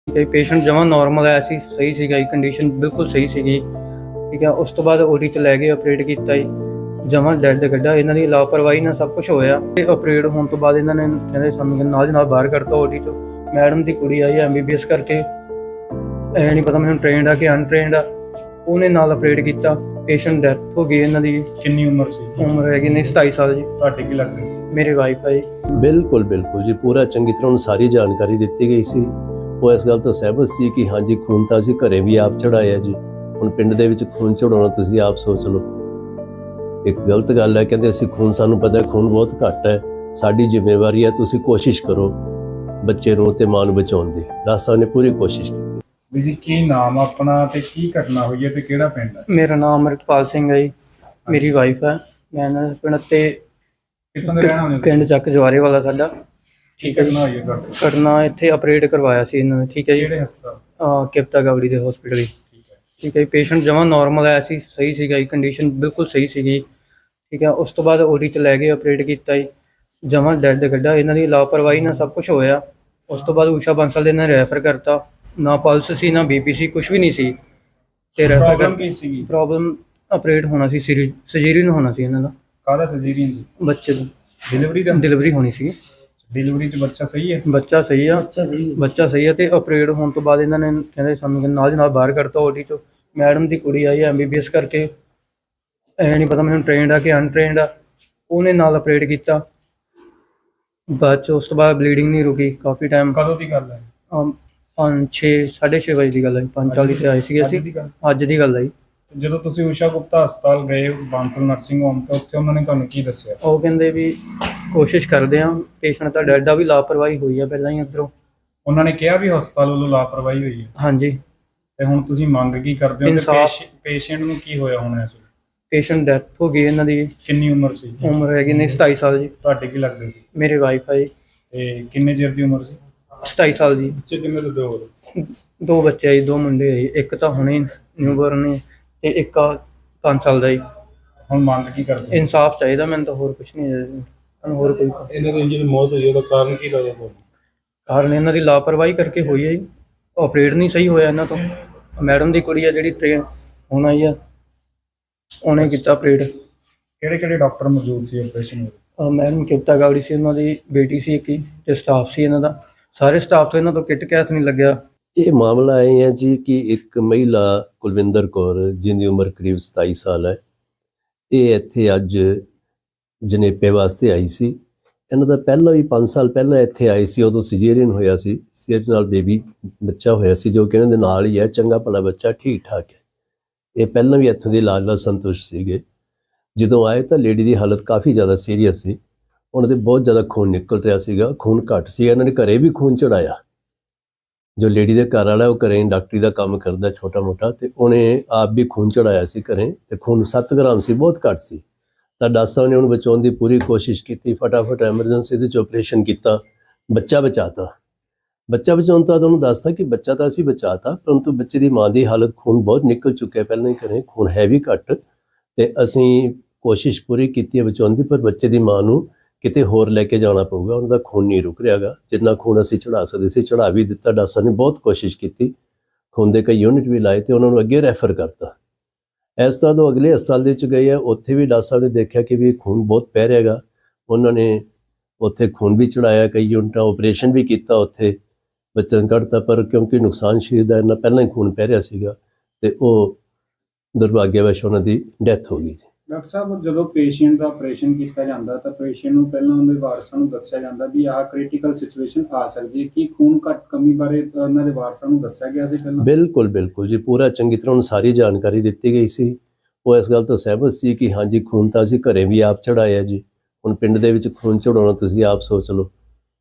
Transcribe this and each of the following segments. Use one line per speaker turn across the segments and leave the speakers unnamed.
ठीक है पेशेंट जमा नॉर्मल आया सी सही ਸੀਗਾ ਜੀ ਕੰਡੀਸ਼ਨ ਬਿਲਕੁਲ ਸਹੀ ਸੀਗੀ ਠੀਕ ਹੈ। ਉਸ ਤੋਂ ਬਾਅਦ ਓਡੀ ਚ ਲੈ ਗਏ ਆਪਰੇਟ ਕੀਤਾ ਜੀ ਜਮਾ ਡੈਡ ਕੱਢਾ। ਇਹਨਾਂ ਦੀ ਲਾਪਰਵਾਹੀ ਨਾਲ ਸਭ ਕੁਝ ਹੋਇਆ ਤੇ ਆਪਰੇਟ ਹੋਣ ਤੋਂ ਬਾਅਦ ਇਹਨਾਂ ਨੇ ਕਹਿੰਦੇ ਸਾਨੂੰ ਨਾਲ ਦੀ ਨਾਲ ਬਾਹਰ ਕੱਢਤਾ ਓਡੀ ਚੋਂ। ਮੈਡਮ ਦੀ ਕੁੜੀ ਆਈ ਐਮਬੀਬੀਐਸ ਕਰਕੇ ਐ ਨਹੀਂ ਪਤਾ ਮੈਨੂੰ ਟ੍ਰੇਨਡ ਆ ਕਿ ਅਨਟ੍ਰੇਨਡ ਆ ਉਹਨੇ ਨਾਲ ਆਪਰੇਟ ਕੀਤਾ। ਪੇਸ਼ੈਂਟ ਡੈਥ ਹੋ ਗਈ। ਇਹਨਾਂ ਦੀ
ਕਿੰਨੀ ਉਮਰ ਸੀ?
ਉਮਰ ਹੈਗੀ ਨੇ 27 ਸਾਲ ਜੀ।
ਤੁਹਾਡੇ ਕੀ ਲੱਗਦੇ ਸੀ?
ਮੇਰੀ ਵਾਈਫ ਹੈ ਜੀ।
ਬਿਲਕੁਲ ਬਿਲਕੁਲ ਜੀ ਪੂਰਾ ਚੰਗੀ ਤਰ੍ਹਾਂ ਉਹਨੂੰ ਸਾਰੀ ਜਾਣਕਾਰੀ ਦਿੱਤੀ ਗਈ ਸੀ। ਉਹ ਇਸ ਗੱਲ ਤੋਂ ਸਹਿਮਤ ਸੀ ਕਿ ਹਾਂਜੀ ਖੂਨ ਤਾਂ ਅਸੀਂ ਘਰੇ ਵੀ ਆਪ ਚੜਾਇਆ ਜੀ। ਹੁਣ ਪਿੰਡ ਦੇ ਵਿੱਚ ਖੂਨ ਚੜਾਉਣਾ ਤੁਸੀਂ ਆਪ ਸੋਚ ਲਓ, ਇੱਕ ਗਲਤ ਗੱਲ ਹੈ। ਕਹਿੰਦੇ ਅਸੀਂ ਖੂਨ, ਸਾਨੂੰ ਪਤਾ ਖੂਨ ਬਹੁਤ ਘੱਟ ਹੈ, ਸਾਡੀ ਜ਼ਿੰਮੇਵਾਰੀ ਹੈ, ਤੁਸੀਂ ਕੋਸ਼ਿਸ਼ ਕਰੋ ਬੱਚੇ ਨੂੰ ਤੇ ਮਾਂ ਨੂੰ ਬਚਾਉਣ ਦੀ। ਦਾਸਾਂ ਨੇ ਪੂਰੀ ਕੋਸ਼ਿਸ਼ ਕੀਤੀ।
ਵੀ ਜੀ ਕੀ ਨਾਮ ਆਪਣਾ ਤੇ ਕੀ ਘਟਨਾ ਹੋਈ ਹੈ ਤੇ ਕਿਹੜਾ ਪਿੰਡ ਹੈ?
ਮੇਰਾ ਨਾਮ ਅਮਰਿਤਪਾਲ ਸਿੰਘ ਹੈ ਜੀ। ਮੇਰੀ ਵਾਈਫ ਹੈ। ਮੈਂ ਇਹਨਾਂ ਦੇ ਪਿੰਡ ਤੇ
ਕਿੱਥੋਂ ਦੇ ਰਹਿਣ ਵਾਲੇ ਹੋ?
ਪਿੰਡ ਚੱਕ ਜਵਾਰੇ ਵਾਲਾ ਸਾਡਾ। ਠੀਕ ਹੈ।
ਘਟਨਾ ਹੋਈ ਹੈ ਤੁਹਾਡੇ?
ਘਟਨਾ ਇੱਥੇ ਆਪਰੇਟ ਕਰਵਾਇਆ ਸੀ ਇਹਨਾਂ ਨੇ। ਠੀਕ ਹੈ ਜੀ।
ਕਿਹੜੇ ਹਸਪਤਾਲ?
ਕਿਪਤਾ ਗਾਵੜੀ ਦੇ ਹਸਪੀਟਲ।
ਠੀਕ ਹੈ।
ਠੀਕ ਹੈ। ਪੇਸ਼ੈਂਟ ਜਮਾ ਨੋਰਮਲ ਆਇਆ ਸੀ ਸਹੀ ਸੀਗਾ ਜੀ ਕੰਡੀਸ਼ਨ ਬਿਲਕੁਲ ਸਹੀ ਸੀਗੀ ਠੀਕ ਹੈ। ਉਸ ਤੋਂ ਬਾਅਦ ਓਡੀ ਚ ਲੈ ਗਏ ਆਪਰੇਟ ਕੀਤਾ ਜੀ ਜਮਾ ਡੈਡ ਕੱਢਾ। ਇਹਨਾਂ ਦੀ ਲਾਪਰਵਾਹੀ ਨਾਲ ਸਭ ਕੁਝ ਹੋਇਆ। ਉਸ ਤੋਂ ਬਾਅਦ ਊਸ਼ਾ ਬੰਸਲ ਦੇ ਨਾਲ ਰੈਫਰ ਕਰਤਾ। ਨਾ ਪਲਸ ਸੀ ਨਾ ਬੀਪੀ ਸੀ, ਕੁਝ ਵੀ ਨਹੀਂ ਸੀ। ਤੇ
ਪ੍ਰੋਬਲਮ ਕੀ ਸੀਗੀ?
ਪ੍ਰੋਬਲਮ ਆਪਰੇਟ ਹੋਣਾ ਸੀ, ਸਰਜਰੀਨ ਹੋਣਾ ਸੀ ਇਹਨਾਂ ਦਾ।
ਕਾਹਦਾ ਸਰਜਰੀਨ ਸੀ?
ਬੱਚੇ ਦੀ
ਡਿਲੀਵਰੀ ਦਾ?
ਡਿਲੀਵਰੀ ਹੋਣੀ ਸੀ।
ਡਿਲੀਵਰੀ 'ਚ ਬੱਚਾ ਸਹੀ ਹੈ?
ਬੱਚਾ ਸਹੀ ਆ। ਬੱਚਾ ਸਹੀ ਆ। ਤੇ ਆਪਰੇਟ ਹੋਣ ਤੋਂ ਬਾਅਦ ਇਹਨਾਂ ਨੇ ਕਹਿੰਦੇ ਸਾਨੂੰ ਨਾਲ ਦੀ ਨਾਲ ਬਾਹਰ ਕੱਢਤਾ ਓਡੀ ਚੋਂ। ਮੈਡਮ ਦੀ ਕੁੜੀ ਆਈ ਐਮਬੀਬੀਐਸ ਕਰਕੇ ਐ ਨਹੀਂ ਪਤਾ ਮੈਨੂੰ ਟ੍ਰੇਨਡ ਆ ਕਿ ਅਨਟ੍ਰੇਨਡ ਆ ਉਹਨੇ ਨਾਲ ਆਪਰੇਟ ਕੀਤਾ। ਬਾਅਦ 'ਚ ਉਸ ਤੋਂ ਬਾਅਦ ਬਲੀਡਿੰਗ ਨਹੀਂ ਰੁਕੀ ਕਾਫੀ ਟਾਈਮ।
ਕਦੋਂ ਦੀ ਗੱਲ ਹੈ?
6:30 ਵਜੇ ਦੀ ਗੱਲ ਹੈ। 5:40 ਤੇ ਆਏ ਸੀਗੇ ਅਸੀਂ। ਅੱਜ ਦੀ ਗੱਲ ਹੈ ਜੀ।
ਜਦੋਂ ਤੁਸੀਂ ਊਸ਼ਾ ਗੁਪਤਾ ਹਸਪਤਾਲ ਗਏ ਬਾਂਸਲ ਨਰਸਿੰਗ ਹੋਮ ਤੇ ਉੱਥੇ ਉਹਨਾਂ ਨੇ ਤੁਹਾਨੂੰ ਕੀ ਦੱਸਿਆ?
ਉਹ ਕਹਿੰਦੇ ਵੀ ਕੋਸ਼ਿਸ਼ ਕਰਦੇ ਆ, ਪੇਸ਼ੈਂਟ ਤਾਂ ਡੈਡ ਆ, ਵੀ ਲਾਪਰਵਾਹੀ ਹੋਈ ਆ ਪਹਿਲਾਂ ਹੀ ਉੱਧਰੋਂ।
ਉਹਨਾਂ ਨੇ ਕਿਹਾ ਵੀ ਹਸਪਤਾਲ ਵੱਲੋਂ ਲਾਪਰਵਾਹੀ ਹੋਈ ਹੈ?
ਹਾਂਜੀ।
ਤੇ ਹੁਣ ਤੁਸੀਂ ਮੰਗ ਕੀ ਕਰਦੇ ਹੋ?
ਇਨਸਾਫ਼।
ਪੇਸ਼ੈਂਟ ਨੂੰ ਕੀ ਹੋਇਆ ਹੋਣਾ ਇਸ ਵੇਲੇ?
ਪੇਸ਼ੈਂਟ ਡੈਥ ਹੋ ਗਈ। ਇਹਨਾਂ ਦੀ
ਕਿੰਨੀ ਉਮਰ ਸੀ?
ਉਮਰ ਹੈਗੀ ਨੇ 27 ਸਾਲ ਜੀ।
ਤੁਹਾਡੇ ਕੀ ਲੱਗਦੇ ਸੀ?
ਮੇਰੇ ਵਾਈਫ ਹੈ ਜੀ।
ਤੇ ਕਿੰਨੇ ਚਿਰ ਦੀ ਉਮਰ ਸੀ?
27 ਸਾਲ ਜੀ।
ਬੱਚੇ ਕਿੰਨੇ ਦੇ ਦੋ?
ਦੋ ਬੱਚੇ ਆ ਜੀ, ਦੋ ਮੁੰਡੇ ਆ ਜੀ। ਇੱਕ ਤਾਂ ਹੁਣੇ ਨਿਊਬਰਨ ਨੇ ਤੇ ਇੱਕ 5 ਸਾਲ ਦਾ ਜੀ।
ਹੁਣ ਮੰਗ ਕੀ ਕਰਦੇ?
ਇਨਸਾਫ ਚਾਹੀਦਾ ਮੈਨੂੰ ਤਾਂ, ਹੋਰ ਕੁਝ ਨਹੀਂ ਹੈ। ਹੋਰ ਕੋਈ
ਇਹਨਾਂ ਦੀ ਜਿਹੜੀ ਮੌਤ ਹੋਈ ਉਹਦਾ ਕਾਰਨ ਕੀ ਲੱਗਦਾ ਤੁਹਾਨੂੰ?
ਕਾਰਨ ਇਹਨਾਂ ਦੀ ਲਾਪਰਵਾਹੀ ਕਰਕੇ ਹੋਈ ਹੈ ਜੀ। ਆਪਰੇਟ ਨਹੀਂ ਸਹੀ ਹੋਇਆ ਇਹਨਾਂ ਤੋਂ। ਮੈਡਮ ਦੀ ਕੁੜੀ ਆ ਜਿਹੜੀ ਟ੍ਰੇਨ ਹੁਣ ਆਈ ਆ, ਉਹਨੇ ਕੀਤਾ ਆਪਰੇਟ।
ਕਿਹੜੇ ਕਿਹੜੇ ਡਾਕਟਰ ਮੌਜੂਦ ਸੀ ਆਪਰੇਸ਼ਨ ਵਿੱਚ?
ਮੈਡਮ ਕਿਪਤਾ ਗਾਵੜੀ ਸੀ, ਉਹਨਾਂ ਦੀ ਬੇਟੀ ਸੀ ਇੱਕ ਹੀ, ਤੇ ਸਟਾਫ ਸੀ ਇਹਨਾਂ ਦਾ। ਸਾਰੇ ਸਟਾਫ ਤੋਂ ਇਹਨਾਂ ਤੋਂ ਕਿਟ ਕੈਸ ਨਹੀਂ ਲੱਗਿਆ।
ਇਹ ਮਾਮਲਾ ਇਹ ਹੈ ਜੀ ਕਿ ਇੱਕ ਮਹਿਲਾ ਕੁਲਵਿੰਦਰ ਕੌਰ ਜਿਹਦੀ ਉਮਰ ਕਰੀਬ 27 ਸਾਲ ਹੈ, ਇਹ ਇੱਥੇ ਅੱਜ ਜਨੇਪੇ ਵਾਸਤੇ ਆਈ ਸੀ। ਇਹਨਾਂ ਦਾ ਪਹਿਲਾਂ ਵੀ 5 ਸਾਲ ਪਹਿਲਾਂ ਇੱਥੇ ਆਈ ਸੀ, ਉਦੋਂ ਸਿਜੇਰੀਅਨ ਹੋਇਆ ਸੀ। ਸਿਜੇਰੀਅਨ ਨਾਲ ਬੇਬੀ ਬੱਚਾ ਹੋਇਆ ਸੀ ਜੋ ਕਿ ਇਹਨਾਂ ਦੇ ਨਾਲ ਹੀ ਹੈ, ਚੰਗਾ ਭਲਾ ਬੱਚਾ, ਠੀਕ ਠਾਕ ਹੈ। ਇਹ ਪਹਿਲਾਂ ਵੀ ਇੱਥੋਂ ਦੇ ਇਲਾਜ ਨਾਲ ਸੰਤੁਸ਼ਟ ਸੀਗੇ। ਜਦੋਂ ਆਏ ਤਾਂ ਲੇਡੀ ਦੀ ਹਾਲਤ ਕਾਫੀ ਜ਼ਿਆਦਾ ਸੀਰੀਅਸ ਸੀ। ਉਹਨਾਂ ਦੇ ਬਹੁਤ ਜ਼ਿਆਦਾ ਖੂਨ ਨਿਕਲ ਰਿਹਾ ਸੀਗਾ, ਖੂਨ ਘੱਟ ਸੀ। ਇਹਨਾਂ ਨੇ ਘਰੇ ਵੀ ਖੂਨ ਚੜਾਇਆ। ਜੋ ਲੇਡੀ ਦੇ ਘਰ ਵਾਲਾ ਉਹ ਘਰੇ ਡਾਕਟਰੀ ਦਾ ਕੰਮ ਕਰਦਾ ਛੋਟਾ ਮੋਟਾ, ਤੇ ਉਹਨੇ ਆਪ ਵੀ ਖੂਨ ਚੜਾਇਆ ਸੀ ਘਰੇ, ਤੇ ਖੂਨ 7 ਗ੍ਰਾਮ ਸੀ, ਬਹੁਤ ਘੱਟ ਸੀ। ਤਾਂ ਡਾਕਟਰਾਂ ਨੇ ਉਹਨੂੰ ਬਚਾਉਣ ਦੀ ਪੂਰੀ ਕੋਸ਼ਿਸ਼ ਕੀਤੀ, ਫਟਾਫਟ ਐਮਰਜੈਂਸੀ ਦੇ 'ਚ ਆਪਰੇਸ਼ਨ ਕੀਤਾ, ਬੱਚਾ ਬਚਾਤਾ। ਬੱਚਾ ਬਚਾਉਣ ਤੋਂ ਬਾਅਦ ਉਹਨੂੰ ਦੱਸਤਾ ਕਿ ਬੱਚਾ ਤਾਂ ਅਸੀਂ ਬਚਾਤਾ, ਪਰੰਤੂ ਬੱਚੇ ਦੀ ਮਾਂ ਦੀ ਹਾਲਤ ਖੂਨ ਬਹੁਤ ਨਿਕਲ ਚੁੱਕਿਆ ਪਹਿਲਾਂ ਹੀ ਘਰੇ, ਖੂਨ ਹੈ ਵੀ ਘੱਟ, ਤੇ ਅਸੀਂ ਕੋਸ਼ਿਸ਼ ਪੂਰੀ ਕੀਤੀ ਹੈ ਬਚਾਉਣ ਦੀ, ਪਰ ਬੱਚੇ ਦੀ ਮਾਂ ਨੂੰ ਕਿਤੇ ਹੋਰ ਲੈ ਕੇ ਜਾਣਾ ਪਊਗਾ। ਉਹਨਾਂ ਦਾ ਖੂਨ ਨਹੀਂ ਰੁਕ ਰਿਹਾਗਾ। ਜਿੰਨਾ ਖੂਨ ਅਸੀਂ ਚੜਾ ਸਕਦੇ ਸੀ ਚੜਾ ਵੀ ਦਿੱਤਾ। ਡਾਕਟਰ ਨੇ ਬਹੁਤ ਕੋਸ਼ਿਸ਼ ਕੀਤੀ, ਖੂਨ ਦੇ ਕਈ ਯੂਨਿਟ ਵੀ ਲਾਏ ਤੇ ਉਹਨਾਂ ਨੂੰ ਅੱਗੇ ਰੈਫਰ ਕਰਤਾ। ਇਸ ਤਰ੍ਹਾਂ ਤੋਂ ਅਗਲੇ ਹਸਪਤਾਲ ਦੇ ਵਿੱਚ ਗਏ ਆ, ਉੱਥੇ ਵੀ ਡਾਕਟਰ ਨੇ ਦੇਖਿਆ ਕਿ ਵੀ ਖੂਨ ਬਹੁਤ ਪੈ ਰਿਹਾਗਾ। ਉਹਨਾਂ ਨੇ ਉੱਥੇ ਖੂਨ ਵੀ ਚੜਾਇਆ, ਕਈ ਯੂਨਿਟਾਂ, ਆਪਰੇਸ਼ਨ ਵੀ ਕੀਤਾ, ਉੱਥੇ ਬੱਚਾ ਨੂੰ ਕੱਢਤਾ। ਪਰ ਕਿਉਂਕਿ ਨੁਕਸਾਨ ਸਰੀਰ ਦਾ ਇੰਨਾ ਪਹਿਲਾਂ ਹੀ ਖੂਨ ਪੈ ਰਿਹਾ ਸੀਗਾ, ਤੇ ਉਹ ਦੁਰਭਾਗਿਆਵਸ਼ ਉਹਨਾਂ ਦੀ ਡੈਥ ਹੋ ਗਈ।
ਡਾਕਟਰ ਸਾਹਿਬ, ਜਦੋਂ ਪੇਸ਼ੈਂਟ ਦਾ ਆਪਰੇਸ਼ਨ ਕੀਤਾ ਜਾਂਦਾ ਤਾਂ ਪੇਸ਼ੈਂਟ ਨੂੰ ਪਹਿਲਾਂ ਉਹਦੇ ਵਾਰਸਾਂ ਨੂੰ ਦੱਸਿਆ ਜਾਂਦਾ ਵੀ ਆਹ ਕ੍ਰਿਟੀਕਲ ਸਿਚੁਏਸ਼ਨ ਆ ਸਕਦੀ ਹੈ। ਕੀ ਖੂਨ ਘੱਟ ਕਮੀ ਬਾਰੇ ਉਹਨਾਂ ਦੇ ਵਾਰਸਾਂ ਨੂੰ ਦੱਸਿਆ ਗਿਆ ਸੀ ਪਹਿਲਾਂ?
ਬਿਲਕੁਲ ਬਿਲਕੁਲ ਜੀ ਪੂਰਾ ਚੰਗੀ ਤਰ੍ਹਾਂ ਉਹਨੂੰ ਸਾਰੀ ਜਾਣਕਾਰੀ ਦਿੱਤੀ ਗਈ ਸੀ। ਉਹ ਇਸ ਗੱਲ ਤੋਂ ਸਹਿਮਤ ਸੀ ਕਿ ਹਾਂਜੀ ਖੂਨ ਤਾਂ ਅਸੀਂ ਘਰੇ ਵੀ ਆਪ ਚੜਾਇਆ ਜੀ। ਹੁਣ ਪਿੰਡ ਦੇ ਵਿੱਚ ਖੂਨ ਚੜਾਉਣਾ ਤੁਸੀਂ ਆਪ ਸੋਚ ਲਓ,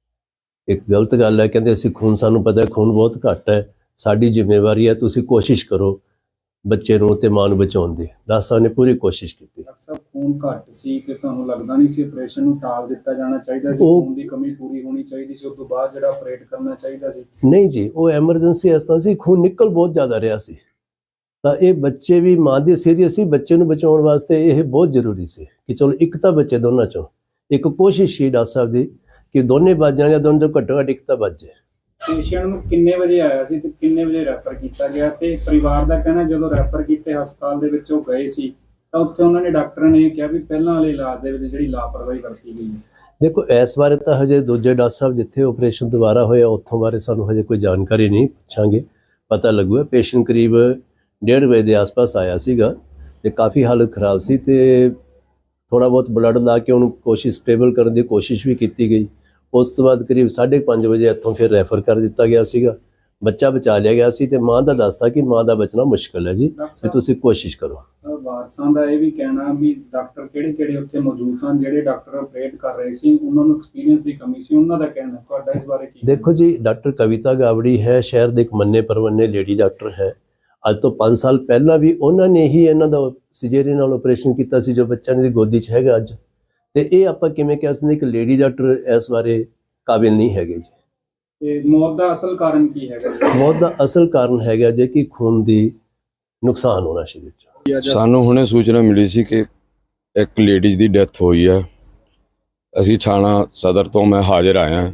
ਇੱਕ ਗਲਤ ਗੱਲ ਹੈ। ਕਹਿੰਦੇ ਅਸੀਂ ਖੂਨ, ਸਾਨੂੰ ਪਤਾ ਖੂਨ ਬਹੁਤ ਘੱਟ ਹੈ, ਸਾਡੀ ਜ਼ਿੰਮੇਵਾਰੀ ਹੈ, ਤੁਸੀਂ ਕੋਸ਼ਿਸ਼ ਕਰੋ ਬੱਚੇ ਨੂੰ ਤੇ ਮਾਂ ਨੂੰ ਬਚਾਉਣ ਦੀ। ਦਾਸਾਂ ਨੇ ਪੂਰੀ ਕੋਸ਼ਿਸ਼ ਕੀਤੀ।
ਡਾਕਟਰ ਸਾਹਿਬ, ਖੂਨ ਘੱਟ ਸੀ ਤੇ ਤੁਹਾਨੂੰ ਲੱਗਦਾ ਨਹੀਂ ਸੀ ਆਪਰੇਸ਼ਨ ਨੂੰ ਟਾਲ ਦਿੱਤਾ ਜਾਣਾ ਚਾਹੀਦਾ ਸੀ?
ਉਹ
ਖੂਨ ਦੀ ਕਮੀ ਪੂਰੀ ਹੋਣੀ ਚਾਹੀਦੀ ਸੀ, ਉਸ ਤੋਂ ਬਾਅਦ ਜਿਹੜਾ ਆਪਰੇਟ ਕਰਨਾ ਚਾਹੀਦਾ ਸੀ?
ਨਹੀਂ ਜੀ, ਉਹ ਐਮਰਜੈਂਸੀ ਇਸ ਤਰ੍ਹਾਂ ਸੀ, ਖੂਨ ਨਿਕਲ ਬਹੁਤ ਜ਼ਿਆਦਾ ਰਿਹਾ ਸੀ। ਤਾਂ ਇਹ ਬੱਚੇ ਵੀ ਮਾਂ ਦੀ ਸੀਰੀਅਸ ਸੀ, ਬੱਚੇ ਨੂੰ ਬਚਾਉਣ ਵਾਸਤੇ ਇਹ ਬਹੁਤ ਜ਼ਰੂਰੀ ਸੀ ਕਿ ਚਲੋ ਇੱਕ ਤਾਂ ਬੱਚੇ ਦੋਨਾਂ ਚੋਂ, ਇੱਕ ਕੋਸ਼ਿਸ਼ ਸੀ ਡਾਕਟਰ ਸਾਹਿਬ ਦੀ ਕਿ ਦੋਨੇ ਬਚ ਜਾਣ ਜਾਂ ਦੋਨੋਂ ਚੋਂ ਘੱਟੋ ਘੱਟ ਇੱਕ ਤਾਂ ਬਚ ਜਾਏ।
ਪੇਸ਼ੈਂਟ ਨੂੰ ਕਿੰਨੇ ਵਜੇ ਆਇਆ ਸੀ ਤੇ ਕਿੰਨੇ ਵਜੇ ਰੈਫਰ ਕੀਤਾ ਗਿਆ, ਤੇ ਪਰਿਵਾਰ ਦਾ ਕਹਿਣਾ ਜਦੋਂ ਰੈਫਰ ਕੀਤੇ ਹਸਪਤਾਲ ਦੇ ਵਿੱਚ ਉਹ ਗਏ ਸੀ ਤਾਂ ਉੱਥੇ ਉਹਨਾਂ ਨੇ ਡਾਕਟਰ ਨੇ ਕਿਹਾ ਵੀ ਪਹਿਲਾਂ ਵਾਲੇ ਇਲਾਜ ਦੇ ਵਿੱਚ ਜਿਹੜੀ ਲਾਪਰਵਾਹੀ ਵਰਤੀ ਗਈ ਹੈ।
ਦੇਖੋ ਇਸ ਬਾਰੇ ਤਾਂ ਹਜੇ ਦੂਜੇ ਡਾਕਟਰ ਸਾਹਿਬ ਜਿੱਥੇ ਆਪਰੇਸ਼ਨ ਦੁਬਾਰਾ ਹੋਇਆ ਉੱਥੋਂ ਬਾਰੇ ਸਾਨੂੰ ਹਜੇ ਕੋਈ ਜਾਣਕਾਰੀ ਨਹੀਂ, ਪੁੱਛਾਂਗੇ ਪਤਾ ਲੱਗੂਗਾ। ਪੇਸ਼ੈਂਟ ਕਰੀਬ 1:30 ਵਜੇ ਦੇ ਆਸ-ਪਾਸ ਆਇਆ ਸੀਗਾ ਤੇ ਕਾਫੀ ਹਾਲਤ ਖਰਾਬ ਸੀ ਤੇ ਥੋੜਾ ਬਹੁਤ ਬਲੱਡ ਲਾ ਕੇ ਉਹਨੂੰ ਸਟੇਬਲ ਕਰਨ ਦੀ ਕੋਸ਼ਿਸ਼ ਵੀ ਕੀਤੀ ਗਈ। ਉਸ ਤੋਂ ਬਾਅਦ ਕਰੀਬ 5:30 ਵਜੇ ਇੱਥੋਂ ਫਿਰ ਰੈਫਰ ਕਰ ਦਿੱਤਾ ਗਿਆ ਸੀਗਾ। ਬੱਚਾ ਬਚਾ ਲਿਆ ਗਿਆ ਸੀ ਤੇ ਮਾਂ ਦਾ ਦੱਸਦਾ ਕਿ ਮਾਂ ਦਾ ਬਚਣਾ ਮੁਸ਼ਕਲ ਹੈ ਜੀ, ਤੇ ਤੁਸੀਂ ਕੋਸ਼ਿਸ਼ ਕਰੋ।
ਵਾਰਸਾਂ ਦਾ ਇਹ ਵੀ ਕਹਿਣਾ ਵੀ ਡਾਕਟਰ ਕਿਹੜੇ ਉੱਥੇ ਮੌਜੂਦ ਸਨ, ਜਿਹੜੇ ਡਾਕਟਰ ਆਪਰੇਟ ਕਰ ਰਹੇ ਸੀ ਉਹਨਾਂ ਨੂੰ ਐਕਸਪੀਰੀਅੰਸ ਦੀ ਕਮੀ ਸੀ, ਉਹਨਾਂ ਦਾ ਕਹਿਣਾ। ਤੁਹਾਡਾ ਇਸ ਬਾਰੇ ਕੀ?
ਦੇਖੋ ਜੀ, ਡਾਕਟਰ ਕਵਿਤਾ ਗਾਵੜੀ ਹੈ, ਸ਼ਹਿਰ ਦੇ ਇੱਕ ਮੰਨੇ ਪਰਵੰਨੇ ਲੇਡੀ ਡਾਕਟਰ ਹੈ। ਅੱਜ ਤੋਂ 5 ਸਾਲ ਪਹਿਲਾਂ ਵੀ ਉਹਨਾਂ ਨੇ ਹੀ ਇਹਨਾਂ ਦਾ ਸਿਜੇਰੀਅਨ ਨਾਲ ਆਪਰੇਸ਼ਨ ਕੀਤਾ ਸੀ ਜੋ ਬੱਚਾ ਇਹਨਾਂ ਦੀ ਗੋਦੀ 'ਚ ਹੈਗਾ ਅੱਜ। ਤੇ ਇਹ ਆਪਾਂ ਕਿਵੇਂ ਕਹਿ ਸਕਦੇ ਕਿ ਲੇਡੀ ਡਾਕਟਰ ਇਸ ਬਾਰੇ ਕਾਬਿਲ ਨਹੀਂ ਹੈਗੇ ਜੀ।
ਤੇ ਮੌਤ ਦਾ ਅਸਲ ਕਾਰਨ ਕੀ ਹੈਗਾ ਜੀ?
ਮੌਤ ਦਾ ਅਸਲ ਕਾਰਨ ਹੈਗਾ ਜੇ ਕਿ ਖੂਨ ਦੀ ਨੁਕਸਾਨ ਹੋਣਾ ਸਰੀਰ 'ਚ।
ਸਾਨੂੰ ਹੁਣੇ ਸੂਚਨਾ ਮਿਲੀ ਸੀ ਕਿ ਇੱਕ ਲੇਡੀਜ਼ ਦੀ ਡੈਥ ਹੋਈ ਹੈ। ਅਸੀਂ ਥਾਣਾ ਸਦਰ ਤੋਂ ਮੈਂ ਹਾਜ਼ਰ ਆਇਆ।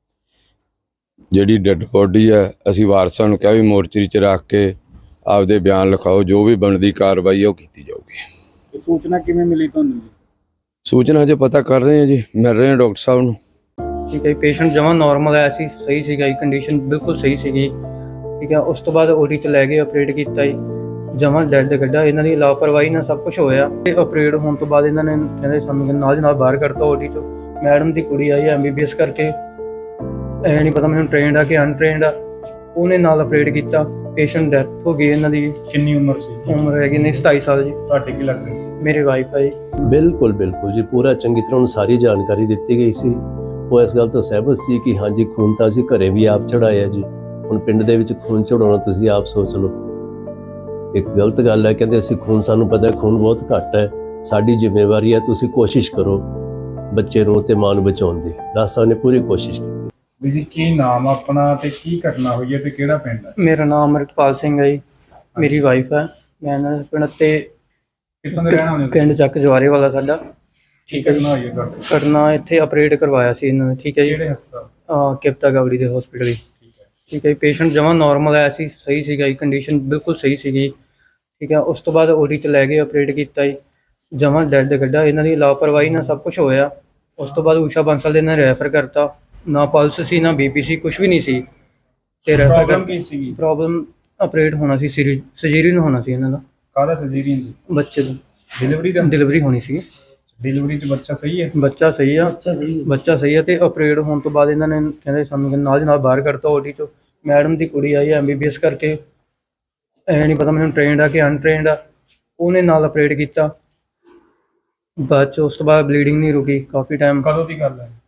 ਜਿਹੜੀ ਡੈੱਡ ਬੋਡੀ ਹੈ ਅਸੀਂ ਵਾਰਸਾਂ ਨੂੰ ਕਿਹਾ ਵੀ ਮੋਰਚਰੀ 'ਚ ਰੱਖ ਕੇ ਆਪਦੇ ਬਿਆਨ ਲਿਖਾਓ, ਜੋ ਵੀ ਬਣਦੀ ਕਾਰਵਾਈ ਹੈ ਉਹ ਕੀਤੀ ਜਾਊਗੀ।
ਤੇ ਸੂਚਨਾ ਕਿਵੇਂ ਮਿਲੀ ਤੁਹਾਨੂੰ ਜੀ?
ਸੂਚਨਾ ਹਜੇ ਪਤਾ ਕਰ ਰਹੇ ਹਾਂ ਜੀ, ਮਿਲ ਰਹੇ ਹਾਂ ਡਾਕਟਰ ਸਾਹਿਬ ਨੂੰ।
ਠੀਕ ਹੈ, ਪੇਸ਼ੈਂਟ ਜਮਾਂ ਨਾਰਮਲ ਆਇਆ ਸੀ, ਸਹੀ ਸੀਗਾ ਜੀ, ਕੰਡੀਸ਼ਨ ਬਿਲਕੁਲ ਸਹੀ ਸੀਗੀ। ਠੀਕ ਹੈ, ਉਸ ਤੋਂ ਬਾਅਦ ਓਡੀ 'ਚ ਲੈ ਗਏ, ਆਪਰੇਟ ਕੀਤਾ ਜੀ, ਜਮਾਂ ਡੈਡ ਕੱਢਾ। ਇਹਨਾਂ ਦੀ ਲਾਪਰਵਾਹੀ ਨਾਲ ਸਭ ਕੁਝ ਹੋਇਆ ਤੇ ਆਪਰੇਟ ਹੋਣ ਤੋਂ ਬਾਅਦ ਇਹਨਾਂ ਨੇ ਕਹਿੰਦੇ ਸਾਨੂੰ ਨਾਲ ਦੀ ਨਾਲ ਬਾਹਰ ਕੱਢਤਾ ਓਡੀ 'ਚੋਂ। ਮੈਡਮ ਦੀ ਕੁੜੀ ਆਈ MBBS ਕਰਕੇ, ਇਹ ਨਹੀਂ ਪਤਾ ਮੈਨੂੰ ਟ੍ਰੇਨਡ ਆ ਕਿ ਅਨਟ੍ਰੇਨਡ ਆ, ਉਹਨੇ ਨਾਲ ਆਪਰੇਟ ਕੀਤਾ। ਪੇਸ਼ੈਂਟ ਡੈਥ ਹੋ ਗਈ। ਇਹਨਾਂ ਦੀ
ਕਿੰਨੀ ਉਮਰ ਸੀ?
ਉਮਰ ਹੈਗੀ ਨੇ 27 ਸਾਲ ਜੀ।
ਤੁਹਾਡੇ ਕੀ ਲੱਗਦੇ ਸੀ?
ਮੇਰੇ ਵਾਈਫ ਹੈ ਜੀ।
ਬਿਲਕੁਲ ਬਿਲਕੁਲ ਜੀ, ਪੂਰਾ ਚੰਗੀ ਤਰ੍ਹਾਂ ਉਹਨੂੰ ਸਾਰੀ ਜਾਣਕਾਰੀ ਦਿੱਤੀ ਗਈ ਸੀ। ਉਹ ਇਸ ਗੱਲ ਤੋਂ ਸਹਿਮਤ ਸੀ ਕਿ ਹਾਂਜੀ ਖੂਨ ਤਾਂ ਅਸੀਂ ਘਰੇ ਵੀ ਆਪ ਚੜਾਇਆ ਜੀ, ਹੁਣ ਪਿੰਡ ਦੇ ਵਿੱਚ ਖੂਨ ਚੜਾਉਣਾ ਤੁਸੀਂ ਆਪ ਸੋਚ ਲਓ, ਇੱਕ ਗਲਤ ਗੱਲ ਹੈ। ਕਹਿੰਦੇ ਅਸੀਂ ਖੂਨ, ਸਾਨੂੰ ਪਤਾ ਖੂਨ ਬਹੁਤ ਘੱਟ ਹੈ, ਸਾਡੀ ਜ਼ਿੰਮੇਵਾਰੀ ਹੈ, ਤੁਸੀਂ ਕੋਸ਼ਿਸ਼ ਕਰੋ ਬੱਚੇ ਨੂੰ ਤੇ ਮਾਂ ਨੂੰ ਬਚਾਉਣ ਦੀ। ਡਾਕਟਰ ਸਾਹਿਬ ਨੇ ਪੂਰੀ ਕੋਸ਼ਿਸ਼ ਕੀਤੀ।
ਵੀ ਜੀ ਕੀ ਨਾਮ ਆਪਣਾ ਤੇ ਕੀ ਘਟਨਾ ਹੋਈ ਹੈ ਤੇ ਕਿਹੜਾ ਪਿੰਡ ਹੈ?
ਮੇਰਾ ਨਾਮ ਅਮਰਿਤਪਾਲ ਸਿੰਘ ਹੈ ਜੀ, ਮੇਰੀ ਵਾਈਫ ਹੈ। ਮੈਂ ਇਹਨਾਂ ਦੇ ਪਿੰਡ ਤੇ
ਕਿੱਥੋਂ ਦੇ ਰਹਿਣ ਵਾਲੇ ਹੋ?
ਪਿੰਡ ਚੱਕ ਜਵਾਰੇ ਵਾਲਾ ਸਾਡਾ। ਠੀਕ ਹੈ ਜੀ।
ਘਟਨਾ ਹੋਈ ਹੈ ਤੁਹਾਡੇ?
ਕਰਨਾ ਇੱਥੇ ਆਪਰੇਟ ਕਰਵਾਇਆ ਸੀ ਇਹਨਾਂ ਨੇ। ਠੀਕ ਹੈ ਜੀ,
ਕਿਹੜੇ ਹਸਪਤਾਲ?
ਕਿਪਤਾ ਗਾਵੜੀ ਦੇ ਹਸਪੀਟਲ ਜੀ।
ਠੀਕ ਹੈ।
ਠੀਕ ਹੈ ਜੀ, ਪੇਸ਼ੈਂਟ ਜਮਾਂ ਨਾਰਮਲ ਆਇਆ ਸੀ, ਸਹੀ ਸੀਗਾ ਜੀ, ਕੰਡੀਸ਼ਨ ਬਿਲਕੁਲ ਸਹੀ ਸੀਗੀ। ਠੀਕ ਹੈ, ਉਸ ਤੋਂ ਬਾਅਦ ਓਡੀ 'ਚ ਲੈ ਗਏ, ਆਪਰੇਟ ਕੀਤਾ ਜੀ, ਜਮਾਂ ਡੈਡ ਕੱਢਾ। ਇਹਨਾਂ ਦੀ ਲਾਪਰਵਾਹੀ ਨਾਲ ਸਭ ਕੁਝ ਹੋਇਆ। ਉਸ ਤੋਂ ਬਾਅਦ ਊਸ਼ਾ ਬੰਸਲ ਦੇ ਨਾਲ ਰੈਫਰ ਕਰਤਾ। ਨਾ ਪਲਸ ਸੀ, ਨਾ BP ਸੀ, ਕੁਝ ਵੀ ਨਹੀਂ ਸੀ। ਤੇ ਰੈਫਰ
ਪ੍ਰੋਬਲਮ ਕੀ ਸੀਗੀ?
ਪ੍ਰੋਬਲਮ ਆਪਰੇਟ ਹੋਣਾ ਸੀ, ਸਰਜਰੀਨ ਹੋਣਾ ਸੀ ਇਹਨਾਂ ਦਾ,
ਕਾਹਦਾ ਸਰਜਰੀਨ ਸੀ?
ਬੱਚੇ ਦੀ
ਡਿਲੀਵਰੀ ਦਾ?
ਡਿਲੀਵਰੀ ਹੋਣੀ ਸੀ।
ਡਿਲੀਵਰੀ 'ਚ ਬੱਚਾ ਸਹੀ ਹੈ?
ਬੱਚਾ ਸਹੀ ਆ, ਬੱਚਾ ਸਹੀ ਆ। ਤੇ ਆਪਰੇਟ ਹੋਣ ਤੋਂ ਬਾਅਦ ਇਹਨਾਂ ਨੇ ਕਹਿੰਦੇ ਸਾਨੂੰ ਨਾਲ ਦੀ ਨਾਲ ਬਾਹਰ ਕੱਢਤਾ ਓਡੀ 'ਚੋਂ। ਮੈਡਮ ਦੀ ਕੁੜੀ ਆਈ MBBS ਕਰਕੇ, ਇਹ ਨਹੀਂ ਪਤਾ ਮੈਨੂੰ ਟ੍ਰੇਨਡ ਆ ਕਿ ਅਨਟ੍ਰੇਨਡ ਆ, ਉਹਨੇ ਨਾਲ ਆਪਰੇਟ ਕੀਤਾ। ਬਾਅਦ 'ਚ ਉਸ ਤੋਂ ਬਾਅਦ ਬਲੀਡਿੰਗ ਨਹੀਂ ਰੁਕੀ ਕਾਫੀ ਟਾਈਮ।
ਕਦੋਂ ਦੀ ਗੱਲ ਹੈ?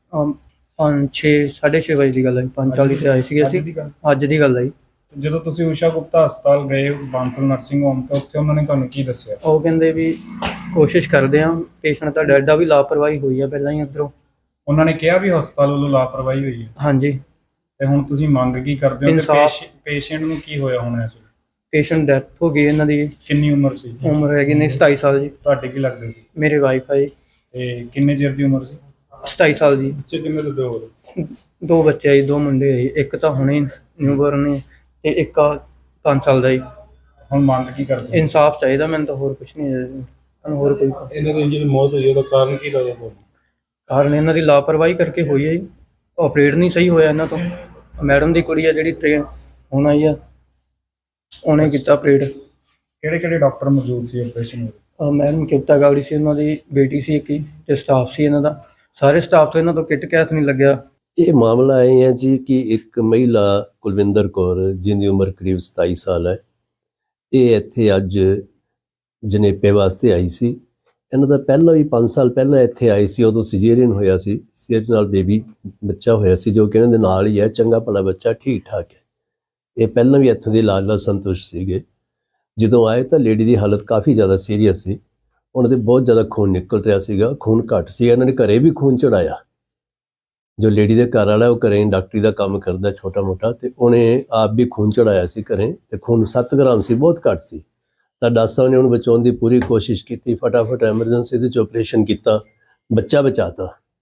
6:30 ਵਜੇ ਦੀ ਗੱਲ ਹੈ। 5:40 ਤੇ ਆਏ ਸੀਗੇ ਅਸੀਂ। ਅੱਜ ਦੀ ਗੱਲ ਹੈ ਜੀ।
ਜਦੋਂ ਤੁਸੀਂ ਊਸ਼ਾ ਗੁਪਤਾ ਹਸਪਤਾਲ ਗਏ ਬਾਂਸਲ ਨਰਸਿੰਗ ਹੋਮ ਤੋਂ, ਉੱਥੇ ਉਹਨਾਂ ਨੇ ਤੁਹਾਨੂੰ ਕੀ ਦੱਸਿਆ?
ਉਹ ਕਹਿੰਦੇ ਵੀ ਕੋਸ਼ਿਸ਼ ਕਰਦੇ ਆ, ਪੇਸ਼ੈਂਟ ਤਾਂ ਡੈਡ ਆ, ਵੀ ਲਾਪਰਵਾਹੀ ਹੋਈ ਆ ਪਹਿਲਾਂ ਹੀ ਉੱਧਰੋਂ।
ਉਹਨਾਂ ਨੇ ਕਿਹਾ ਵੀ ਹਸਪਤਾਲ ਵੱਲੋਂ ਲਾਪਰਵਾਹੀ ਹੋਈ ਹੈ?
ਹਾਂਜੀ।
ਤੇ ਹੁਣ ਤੁਸੀਂ ਮੰਗ ਕੀ ਕਰਦੇ ਹੋ?
ਇਨਸਾਫ਼।
ਪੇਸ਼ੈਂਟ ਨੂੰ ਕੀ ਹੋਇਆ ਹੋਣਾ ਇਸ ਵੇਲੇ?
ਪੇਸ਼ੈਂਟ ਡੈਥ ਹੋ ਗਈ। ਇਹਨਾਂ ਦੀ
ਕਿੰਨੀ ਉਮਰ ਸੀ?
ਉਮਰ ਹੈਗੀ ਨੇ 27 ਸਾਲ ਜੀ।
ਤੁਹਾਡੇ ਕੀ ਲੱਗਦੇ ਸੀ?
ਮੇਰੇ ਵਾਈਫ ਹੈ ਜੀ।
ਤੇ ਕਿੰਨੇ ਚਿਰ ਦੀ ਉਮਰ ਸੀ?
27 ਸਾਲ ਜੀ।
ਬੱਚੇ ਕਿੰਨੇ ਦੇ ਦੋ?
2 ਬੱਚੇ ਆ ਜੀ, 2 ਮੁੰਡੇ ਆ ਜੀ। ਇੱਕ ਤਾਂ ਹੁਣੇ ਨਿਊਬਰਨ ਨੇ ਤੇ ਇੱਕ 5 ਸਾਲ ਦਾ ਜੀ।
ਹੁਣ ਮੰਗ ਕੀ ਕਰਦੇ?
ਇਨਸਾਫ ਚਾਹੀਦਾ ਮੈਨੂੰ ਤਾਂ, ਹੋਰ ਕੁਝ ਨਹੀਂ ਹੈ ਤੁਹਾਨੂੰ। ਹੋਰ ਕੋਈ
ਇਹਨਾਂ ਦੀ ਜਿਹੜੀ ਮੌਤ ਹੋਈ ਉਹਦਾ ਕਾਰਨ ਕੀ ਲੱਗਦਾ ਤੁਹਾਨੂੰ?
ਕਾਰਨ ਇਹਨਾਂ ਦੀ ਲਾਪਰਵਾਹੀ ਕਰਕੇ ਹੋਈ ਹੈ ਜੀ। ਆਪਰੇਟ ਨਹੀਂ ਸਹੀ ਹੋਇਆ ਇਹਨਾਂ ਤੋਂ। ਮੈਡਮ ਦੀ ਕੁੜੀ ਆ ਜਿਹੜੀ ਟ੍ਰੇਨ ਹੁਣ ਆਈ ਆ, ਉਹਨੇ ਕੀਤਾ ਆਪਰੇਟ।
ਕਿਹੜੇ ਡਾਕਟਰ ਮੌਜੂਦ ਸੀ ਆਪਰੇਸ਼ਨ ਵਿੱਚ?
ਮੈਡਮ ਕਿਪਤਾ ਗਾਵੜੀ ਸੀ, ਉਹਨਾਂ ਦੀ ਬੇਟੀ ਸੀ ਇੱਕ ਹੀ, ਤੇ ਸਟਾਫ ਸੀ ਇਹਨਾਂ ਦਾ। ਸਾਰੇ ਸਟਾਫ ਤੋਂ ਇਹਨਾਂ ਤੋਂ ਕਿਟ ਕੈਸ ਨਹੀਂ ਲੱਗਿਆ।
ਇਹ ਮਾਮਲਾ ਇਹ ਹੈ ਜੀ ਕਿ ਇੱਕ ਮਹਿਲਾ ਕੁਲਵਿੰਦਰ ਕੌਰ ਜਿਹਦੀ ਉਮਰ ਕਰੀਬ 27 ਸਾਲ ਹੈ, ਇਹ ਇੱਥੇ ਅੱਜ ਜਨੇਪੇ ਵਾਸਤੇ ਆਈ ਸੀ। ਇਹਨਾਂ ਦਾ ਪਹਿਲਾਂ ਵੀ 5 ਸਾਲ ਪਹਿਲਾਂ ਇੱਥੇ ਆਈ ਸੀ, ਉਦੋਂ ਸਿਜੇਰੀਅਨ ਹੋਇਆ ਸੀ, ਸਿਜੇਰੀਅਨ ਨਾਲ ਬੇਬੀ ਬੱਚਾ ਹੋਇਆ ਸੀ ਜੋ ਕਿ ਇਹਨਾਂ ਦੇ ਨਾਲ ਹੀ ਹੈ, ਚੰਗਾ ਭਲਾ ਬੱਚਾ, ਠੀਕ ਠਾਕ ਹੈ। ਇਹ ਪਹਿਲਾਂ ਵੀ ਇੱਥੋਂ ਦੇ ਇਲਾਜ ਨਾਲ ਸੰਤੁਸ਼ਟ ਸੀਗੇ। ਜਦੋਂ ਆਏ ਤਾਂ ਲੇਡੀ ਦੀ ਹਾਲਤ ਕਾਫੀ ਜ਼ਿਆਦਾ ਸੀਰੀਅਸ ਸੀ, ਉਹਨਾਂ ਦੇ ਬਹੁਤ ਜ਼ਿਆਦਾ ਖੂਨ ਨਿਕਲ ਰਿਹਾ ਸੀਗਾ, ਖੂਨ ਘੱਟ ਸੀ। ਇਹਨਾਂ ਨੇ ਘਰੇ ਵੀ ਖੂਨ ਚੜਾਇਆ। ਜੋ ਲੇਡੀ ਦੇ ਘਰ ਵਾਲਾ ਉਹ ਘਰੇ ਡਾਕਟਰੀ ਦਾ ਕੰਮ ਕਰਦਾ ਛੋਟਾ ਮੋਟਾ, ਤੇ ਉਹਨੇ ਆਪ ਵੀ ਖੂਨ ਚੜਾਇਆ ਸੀ ਘਰੇ, ਤੇ ਖੂਨ 7 ਗ੍ਰਾਮ ਸੀ, ਬਹੁਤ ਘੱਟ ਸੀ। ਤਾਂ ਡਾਕਟਰ ਸਾਹਿਬ ਨੇ ਉਹਨੂੰ ਬਚਾਉਣ ਦੀ ਪੂਰੀ ਕੋਸ਼ਿਸ਼ ਕੀਤੀ, ਫਟਾਫਟ ਐਮਰਜੈਂਸੀ ਦੇ 'ਚ ਆਪਰੇਸ਼ਨ ਕੀਤਾ, ਬੱਚਾ ਬਚਾਤਾ।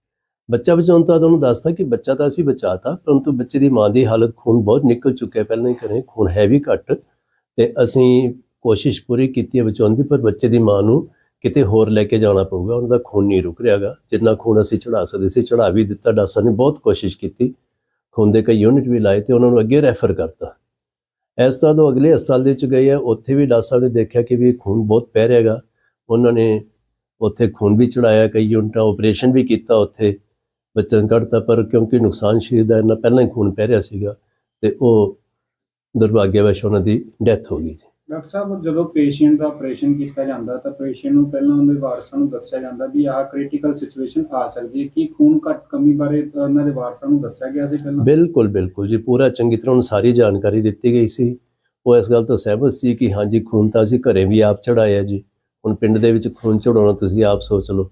ਬੱਚਾ ਬਚਾਉਣ ਤਾਂ ਤੁਹਾਨੂੰ ਦੱਸਤਾ ਕਿ ਬੱਚਾ ਤਾਂ ਅਸੀਂ ਬਚਾਤਾ, ਪਰੰਤੂ ਬੱਚੇ ਦੀ ਮਾਂ ਦੀ ਹਾਲਤ ਖੂਨ ਬਹੁਤ ਨਿਕਲ ਚੁੱਕਿਆ ਪਹਿਲਾਂ ਹੀ ਘਰੇ, ਖੂਨ ਹੈ ਵੀ ਘੱਟ, ਤੇ ਅਸੀਂ ਕੋਸ਼ਿਸ਼ ਪੂਰੀ ਕੀਤੀ ਹੈ ਬਚਾਉਣ ਦੀ, ਪਰ ਬੱਚੇ ਦੀ ਮਾਂ ਨੂੰ ਕਿਤੇ ਹੋਰ ਲੈ ਕੇ ਜਾਣਾ ਪਊਗਾ, ਉਹਨਾਂ ਦਾ ਖੂਨ ਨਹੀਂ ਰੁਕ ਰਿਹਾਗਾ। ਜਿੰਨਾ ਖੂਨ ਅਸੀਂ ਚੜਾ ਸਕਦੇ ਸੀ ਚੜਾ ਵੀ ਦਿੱਤਾ, ਡਾਕਟਰ ਨੇ ਬਹੁਤ ਕੋਸ਼ਿਸ਼ ਕੀਤੀ, ਖੂਨ ਦੇ ਕਈ ਯੂਨਿਟ ਵੀ ਲਾਏ ਤੇ ਉਹਨਾਂ ਨੂੰ ਅੱਗੇ ਰੈਫਰ ਕਰਤਾ। ਇਸ ਤਰ੍ਹਾਂ ਤੋਂ ਅਗਲੇ ਹਸਪਤਾਲ ਦੇ ਵਿੱਚ ਗਏ ਆ, ਉੱਥੇ ਵੀ ਡਾਕਟਰ ਸਾਹਿਬ ਨੇ ਦੇਖਿਆ ਕਿ ਵੀ ਖੂਨ ਬਹੁਤ ਪੈ ਰਿਹਾਗਾ, ਉਹਨਾਂ ਨੇ ਉੱਥੇ ਖੂਨ ਵੀ ਚੜਾਇਆ, ਕਈ ਯੂਨਿਟਾਂ ਆਪਰੇਸ਼ਨ ਵੀ ਕੀਤਾ, ਉੱਥੇ ਬੱਚਾ ਕੱਢਤਾ, ਪਰ ਕਿਉਂਕਿ ਨੁਕਸਾਨ ਸਰੀਰ ਦਾ ਇੰਨਾ ਪਹਿਲਾਂ ਹੀ ਖੂਨ ਪੈ ਰਿਹਾ ਸੀਗਾ ਤੇ ਉਹ ਦੁਰਭਾਗਿਆਵਸ਼ ਉਹਨਾਂ ਦੀ ਡੈਥ ਹੋ ਗਈ ਜੀ।
ਡਾਕਟਰ ਸਾਹਿਬ, ਜਦੋਂ ਪੇਸ਼ੈਂਟ ਦਾ ਆਪਰੇਸ਼ਨ ਕੀਤਾ ਜਾਂਦਾ ਤਾਂ ਪੇਸ਼ੈਂਟ ਨੂੰ ਪਹਿਲਾਂ ਉਹਦੇ ਵਾਰਸਾਂ ਨੂੰ ਦੱਸਿਆ ਜਾਂਦਾ ਵੀ ਆਹ ਕ੍ਰਿਟੀਕਲ ਸਿਚੁਏਸ਼ਨ ਆ ਸਕਦੀ ਹੈ, ਕੀ ਖੂਨ ਘੱਟ ਕਮੀ ਬਾਰੇ ਉਹਨਾਂ ਦੇ ਵਾਰਸਾਂ ਨੂੰ ਦੱਸਿਆ ਗਿਆ ਸੀ ਪਹਿਲਾਂ?
ਬਿਲਕੁਲ ਬਿਲਕੁਲ ਜੀ, ਪੂਰਾ ਚੰਗੀ ਤਰ੍ਹਾਂ ਉਹਨੂੰ ਸਾਰੀ ਜਾਣਕਾਰੀ ਦਿੱਤੀ ਗਈ ਸੀ। ਉਹ ਇਸ ਗੱਲ ਤੋਂ ਸਹਿਮਤ ਸੀ ਕਿ ਹਾਂਜੀ ਖੂਨ ਤਾਂ ਅਸੀਂ ਘਰੇ ਵੀ ਆਪ ਚੜਾਇਆ ਜੀ, ਹੁਣ ਪਿੰਡ ਦੇ ਵਿੱਚ ਖੂਨ ਚੜਾਉਣਾ ਤੁਸੀਂ ਆਪ ਸੋਚ ਲਓ,